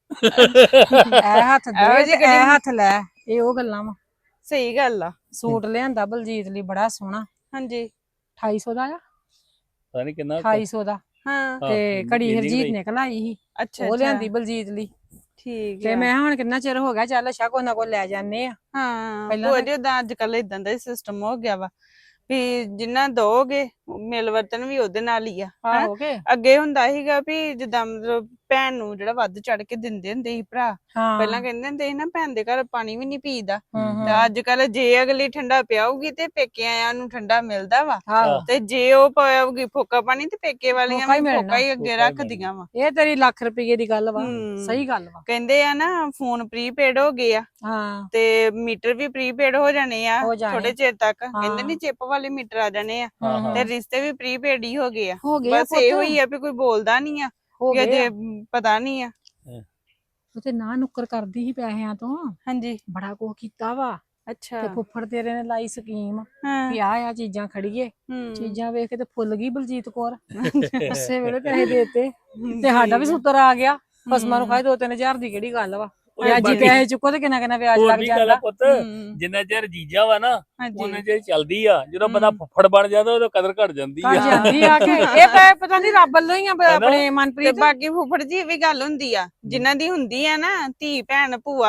S4: ਇਹ ਹੱਥ
S6: ਇਹੋ
S4: ਦੇ
S6: ਜਿਹੀ
S4: ਤੇ ਇਹ ਹੱਥ ਲੈ, ਇਹ ਉਹ ਗੱਲਾਂ ਵਾ।
S6: ਸਹੀ ਗੱਲ ਆ।
S4: ਸੂਟ ਲਿਆਂਦਾ ਬਲਜੀਤ ਲਈ ਬੜਾ ਸੋਹਣਾ,
S6: ਹਾਂਜੀ
S4: 2800 ਦਾ ਆ,
S3: ਪਤਾ ਨਹੀਂ ਕਿੰਨਾ
S4: 2800 ਦਾ।
S6: ਹਾਂ
S4: ਤੇ ਘੜੀ
S3: ਇੰਨੀ
S4: ਹਰਜੀਤ
S3: ਕੁ
S4: ਨੇ ਕਲਾਈ ਸੀ,
S6: ਅੱਛਾ
S4: ਉਹ
S6: ਅੱਛਾ
S4: ਲਿਆਂਦੀ ਬਲਜੀਤ ਲਈ।
S6: ਠੀਕ
S4: ਤੇ
S6: ਆ।
S4: ਮੈਂ ਹੁਣ ਕਿੰਨਾ ਚਿਰ ਹੋ ਗਿਆ, ਚੱਲ ਅੱਛਾ ਕੋਈ ਨਾ ਕੋਈ ਲੈ ਜਾਂਦੇ ਆ।
S6: ਹਾਂ
S4: ਪਹਿਲਾਂ
S6: ਭੂਆ
S4: ਤਾਂ-
S6: ਜੀ ਉਦਾਂ ਅੱਜ ਕੱਲ ਇਦਾਂ ਦਾ ਸਿਸਟਮ ਹੋ ਗਿਆ ਵਾ ਵੀ ਜਿੰਨਾ ਦੋਗੇ ਮਿਲ ਵਰਤਨ ਵੀ ਉਹਦੇ ਨਾਲ ਹੀ ਆ। ਹੈਂ?
S4: ਆਹੋ ਕੇ
S6: ਅੱਗੇ ਹੁੰਦਾ ਸੀਗਾ ਵੀ ਜਿੱਦਾਂ ਮਤਲਬ ਭੈਣ ਨੂੰ ਜਿਹੜਾ ਵੱਧ ਚੜ ਕੇ ਦਿੰਦੇ ਹੁੰਦੇ ਸੀ ਭਰਾ।
S4: ਹਾਂ
S6: ਪਹਿਲਾਂ ਕਹਿੰਦੇ ਹੁੰਦੇ ਸੀ ਨਾ ਭੈਣ ਦੇ ਘਰ ਪਾਣੀ ਵੀ ਨਹੀਂ ਪੀਦਾ।
S4: ਹੂੰ,
S6: ਤੇ ਅੱਜ ਕੱਲ ਜੇ ਅਗਲੀ ਠੰਡਾ ਪਿਆਊਗੀ ਤੇ ਪੇਕੇ ਆਇਆਂ ਨੂੰ ਠੰਡਾ ਮਿਲਦਾ ਵਾ।
S4: ਆਹੋ
S6: ਤੇ ਜੇ ਉਹ ਪਾਉਗੀ ਫੋਕਾ ਪਾਣੀ ਤੇ ਪੇਕੇ ਵਾਲੀਆਂ
S4: ਫੋਕਾ ਹੀ
S6: ਵੀ
S4: ਮਿਲਣਾ।
S6: ਫੋਕਾ ਹੀ ਅੱਗੇ
S3: ਫੋਕਾ ਹੀ
S6: ਰੱਖਦੀਆਂ ਵਾ।
S4: ਇਹ ਤੇਰੀ ਲੱਖ ਰੁਪਏ ਦੀ ਗੱਲ ਵਾ,
S6: ਹੂੰ।
S4: ਸਹੀ ਗੱਲ ਵਾ।
S6: ਕਹਿੰਦੇ ਆ ਨਾ ਫੋਨ ਪ੍ਰੀਪੇਡ ਹੋ ਗਏ ਆ
S4: ਹਾਂ
S6: ਤੇ ਮੀਟਰ ਵੀ ਪ੍ਰੀਪੇਡ ਹੋ ਜਾਣੇ ਆ
S4: ਹੋ ਜਾਣੇ।
S6: ਥੋੜੇ ਚਿਰ ਤੱਕ।
S4: ਹਾਂ।
S6: ਕਹਿੰਦੇ ਨਹੀਂ ਚਿੱਪ ਵਾਲੇ ਮੀਟਰ ਆ ਜਾਣੇ ਆ
S3: ਹਾਂ,
S6: ਤੇ ਰਿਸ਼ਤੇ ਵੀ ਪ੍ਰੀਪੇਡ ਹੀ ਹੋ ਗਏ ਆ।
S4: ਹੋ ਗਿਆ
S6: ਬਸ ਇਹੋ ਹੀ ਆ ਵੀ ਕੋਈ ਬੋਲਦਾ ਨਹੀਂ ਆ
S4: ਹੋ
S6: ਕਿ
S4: ਗਿਆ।
S6: ਅਜੇ ਪਤਾ ਨਹੀਂ ਆ।
S4: ਉਹ ਤੇ ਨਾ ਨੁੱਕਰ ਕਰਦੀ ਸੀ ਪੈਸਿਆਂ ਤੋਂ,
S6: ਹਾਂਜੀ
S4: ਬੜਾ ਕੁਛ ਕੀਤਾ ਵਾ।
S6: ਅੱਛਾ
S4: ਤੇ ਫੁੱਫੜ ਤੇਰੇ ਨੇ ਲਾਈ ਸਕੀਮ
S6: ਹਾਂ
S4: ਵੀ ਆ ਚੀਜ਼ਾਂ ਖੜੀਏ।
S6: ਹੂੰ।
S4: ਚੀਜ਼ਾਂ ਵੇਖ ਕੇ ਤੇ ਫੁੱਲ ਗਈ ਬਲਜੀਤ ਕੌਰ, ਉਸੇ ਵੇਲੇ ਪੈਸੇ ਦੇਤੇ ਤੇ ਸਾਡਾ ਵੀ ਸੂਤਰ ਆ ਗਿਆ। ਫਸਮਾਂ ਨੂੰ ਖਾਏ 2-3000 ਦੀ ਕਿਹੜੀ ਗੱਲ ਵਾ। ਵਿਆਜੀ ਪੈਸੇ ਚੁੱਕੋ ਤੇ ਕਿੰਨਾ ਕਿੰਨਾ ਵਿਆਜ
S3: ਹੋਰ
S4: ਲੱਗ
S3: ਵੀ ਗੱਲ
S4: ਜਾਂਦਾ।
S3: ਆ ਪੁੱਤ,
S6: ਹੂੰ।
S3: ਜਿੰਨਾ ਚਿਰ ਜੀਜਾ ਵਾ ਨਾ
S6: ਹਾਂਜੀ
S3: ਉਹਨੇ ਚਿਰ ਚੱਲਦੀ ਆ। ਜਦੋਂ ਬੰਦਾ ਫੁੱਫੜ ਬਣ ਜਾਂਦਾ ਉਦੋਂ ਕਦਰ ਘਟ ਜਾਂਦੀ
S4: ਘਰ
S3: ਆ।
S4: ਜਾਂਦੀ ਆ ਕੇ ਇਹ ਪੈ ਪਤਾ ਨਹੀਂ ਰੱਬ ਵੱਲੋਂ ਹੀ ਆ ਆਪਣੇ
S6: ਤੇ
S4: ਮਨਪ੍ਰੀਤ।
S6: ਬਾਕੀ ਫੁੱਫੜ ਜੀ ਵੀ ਗੱਲ ਹੁੰਦੀ ਆ ਜਿਨ੍ਹਾਂ ਦੀ ਹੁੰਦੀ ਆ ਨਾ ਧੀ ਭੈਣ ਭੂਆ,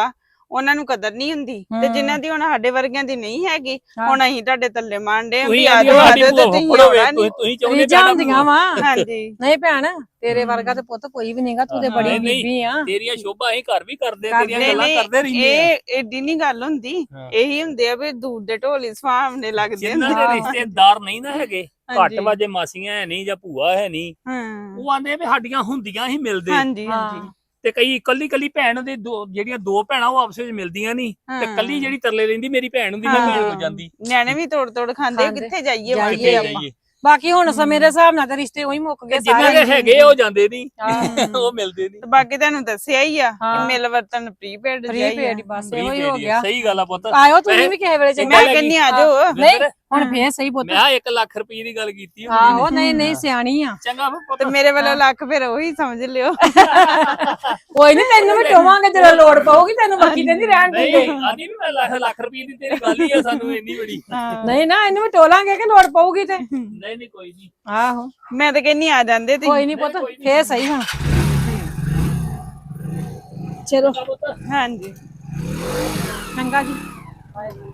S6: ਉਹਨਾਂ ਨੂੰ ਕਦਰ ਨਹੀਂ ਹੁੰਦੀ ਤੇ
S4: ਹਮ।
S6: ਜਿਨ੍ਹਾਂ ਦੀ ਹੁਣ ਸਾਡੇ ਵਰਗਿਆਂ ਦੀ ਨਹੀਂ ਹੈਗੀ
S4: ਹਾਂ।
S6: ਹੁਣ ਅਸੀਂ ਤੁਹਾਡੇ ਥੱਲੇ ਮਾਰਦੇ
S3: ਤੁਸੀਂ
S6: ਆ
S3: ਆਂਦੀ
S6: ਜਾਓ
S3: ਸਾਡੀ
S6: ਆ ਜਾਓ ਤੇ
S3: ਭੂਆ
S6: ਤੁਸੀਂ
S3: ਫੜੋ
S6: ਆਉਣਾ ਨੀ।
S3: ਤੁਸੀਂ ਚਾਹੁੰਦੇ
S4: ਰੀਝਾਂ ਹੁੰਦੀਆਂ ਵਾ
S6: ਹਾਂਜੀ
S4: ਨਹੀਂ ਭੈਣ ਤੇਰੇ ਵਰਗਾ ਤੇ ਪੁੱਤ ਕੋਈ ਵੀ ਨਹੀਂਗਾ ਤੂੰ ਤੇ ਬੜੀ
S3: ਨਹੀਂ, ਨਹੀਂ।
S4: ਬੀਬੀ ਆ
S3: ਤੇਰੀਆਂ ਸ਼ੋਭਾ ਅਸੀਂ ਘਰ ਵੀ ਕਰਦੇ
S4: ਕਰਦੇ
S3: ਤੇਰੀਆਂ
S6: ਨਹੀਂ
S3: ਗੱਲਾਂ
S6: ਨਹੀਂ
S3: ਕਰਦੇ ਰਹਿੰਦੇ ਆ
S6: ਇਹ ਏਡੀ ਨਹੀਂ ਗੱਲ ਹੁੰਦੀ
S3: ਹਾਂ।
S6: ਇਹੀ ਹੁੰਦੇ ਆ ਵੀ ਦੂਰ ਦੇ ਢੋਲੀ ਸੁਹਾਵਣੇ ਲੱਗਦੇ
S3: ਜਿਨ੍ਹਾਂ
S6: ਹੁੰਦੇ
S3: ਦੇ ਰਿਸ਼ਤੇਦਾਰ ਨਹੀਂ ਨਾ ਹੈਗੇ ਘੱਟ
S6: ਹਾਂਜੀ।
S3: ਵਾਜੇ ਮਾਸੀਆਂ ਹੈ ਨਹੀਂ ਜਾਂ ਭੂਆ ਹੈ ਨਹੀਂ
S6: ਹਾਂ
S3: ਉਹ ਆਂਦੇ ਵੀ ਸਾਡੀਆਂ ਹੁੰਦੀਆਂ ਹੀ ਮਿਲਦੇ
S6: ਹਾਂਜੀ ਹਾਂਜੀ
S4: ਹਾਂ
S3: ਤੇ ਕਈ ਕੱਲੀ ਭੈਣ ਦੇ ਜਿਹੜੀਆਂ ਦੋ ਭੈਣਾਂ ਉਹ ਆਪਸ ਵਿੱਚ ਮਿਲਦੀਆਂ ਨਹੀਂ ਤੇ
S6: ਹਾਂ।
S3: ਕੱਲੀ ਜਿਹੜੀ ਤਰਲੇ ਲੈਂਦੀ ਮੇਰੀ ਭੈਣ ਹੁੰਦੀ ਮੈਂ
S6: ਹਾਂ।
S3: ਭੈਣ ਹੋ ਜਾਂਦੀ
S6: ਨਿਆਣੇ ਵੀ ਤੋੜ ਤੋੜ ਖਾਂਦੇ
S4: ਖਾਂਦੇ।
S6: ਕਿੱਥੇ ਜਾਈਏ
S4: ਜਾਈਏ
S3: ਕਿੱਥੇ
S6: ਵਾਂਗੇ
S4: ਆਪਾਂ।
S3: ਜਾਈਏ
S4: ਬਾਕੀ ਹੁਣ ਸਮੇਂ ਦੇ ਹਿਸਾਬ ਨਾਲ ਤੇ ਰਿਸ਼ਤੇ ਉਹੀ ਮੁੱਕ ਗਏ
S3: ਜਿਨ੍ਹਾਂ ਦੇ ਹੈਗੇ ਉਹ ਜਾਂਦੇ ਨਹੀਂ
S4: ਹਾਂ।
S3: ਉਹ ਮਿਲਦੇ ਨਹੀਂ
S6: ਤੇ ਬਾਕੀ ਤੁਹਾਨੂੰ ਦੱਸਿਆ ਹੀ ਆ
S4: ਹਾਂ।
S6: ਕਿ ਮਿਲ ਵਰਤਨ ਪ੍ਰੀਪੇਡ
S4: ਫ੍ਰੀ ਪੇਡ ਬਸ ਇਹੋ ਹੀ ਹੋ ਗਿਆ
S3: ਸਹੀ ਗੱਲ ਆ ਪੁੱਤ
S4: ਆਇਓ ਤੁਸੀਂ ਵੀ ਕਿਸੇ ਵੇਲੇ ਚੰਗਾ
S6: ਮੈਂ
S3: ਲੱਗੀ।
S6: ਕਹਿੰਨੀ ਆ ਜਾਓ
S4: ਨਹੀਂ ਹੁਣ ਫੇਰ ਸਹੀ ਪੁੱਤ
S3: ਮੈਂ 1 ਲੱਖ ਰੁਪਏ ਦੀ ਗੱਲ ਕੀਤੀ ਹੋਣੀ
S4: ਆਹੋ
S3: ਨੇ।
S4: ਨਹੀਂ ਨਹੀਂ ਸਿਆਣੀ ਆ
S3: ਚੰਗਾ ਪੁੱਤ
S6: ਤੇ ਮੇਰੇ ਵੱਲੋਂ ਲੱਖ ਫਿਰ ਉਹੀ ਸਮਝ ਲਿਓ
S4: ਕੋਈ ਨਹੀਂ ਤੈਨੂੰ ਵੀ ਟੋਵਾਂਗੇ ਜਦੋਂ ਲੋੜ ਪਊਗੀ ਤੈਨੂੰ ਬਾਕੀ ਕਹਿੰਦੀ ਰਹਿਣ
S3: ਨਹੀਂ
S4: ਦੇ
S3: ਆਂਦੀ ਵੀ ਮੈਂ ਲੱਖ ਰੁਪਏ ਦੀ ਤੇਰੀ ਗੱਲ ਹੀ ਆ ਸਾਨੂੰ ਇੰਨੀ ਬੜੀ
S4: ਨਹੀਂ ਨਾ ਇਹਨੂੰ ਵੀ ਟੋਲਾਂਗੇ ਕਿ ਲੋੜ ਪਊਗੀ ਤੇ
S3: ਨਹੀਂ ਕੋਈ ਨਹੀਂ
S4: ਆਹੋ
S6: ਮੈਂ ਤਾਂ ਕਹਿੰਨੀ ਆ ਜਾਂਦੇ ਤੁਸੀਂ
S4: ਕੋਈ ਨਹੀਂ ਪੁੱਤ ਫੇਰ ਸਹੀ ਹੁਣ ਚਲੋ
S6: ਹਾਂਜੀ
S4: ਚੰਗਾ ਜੀ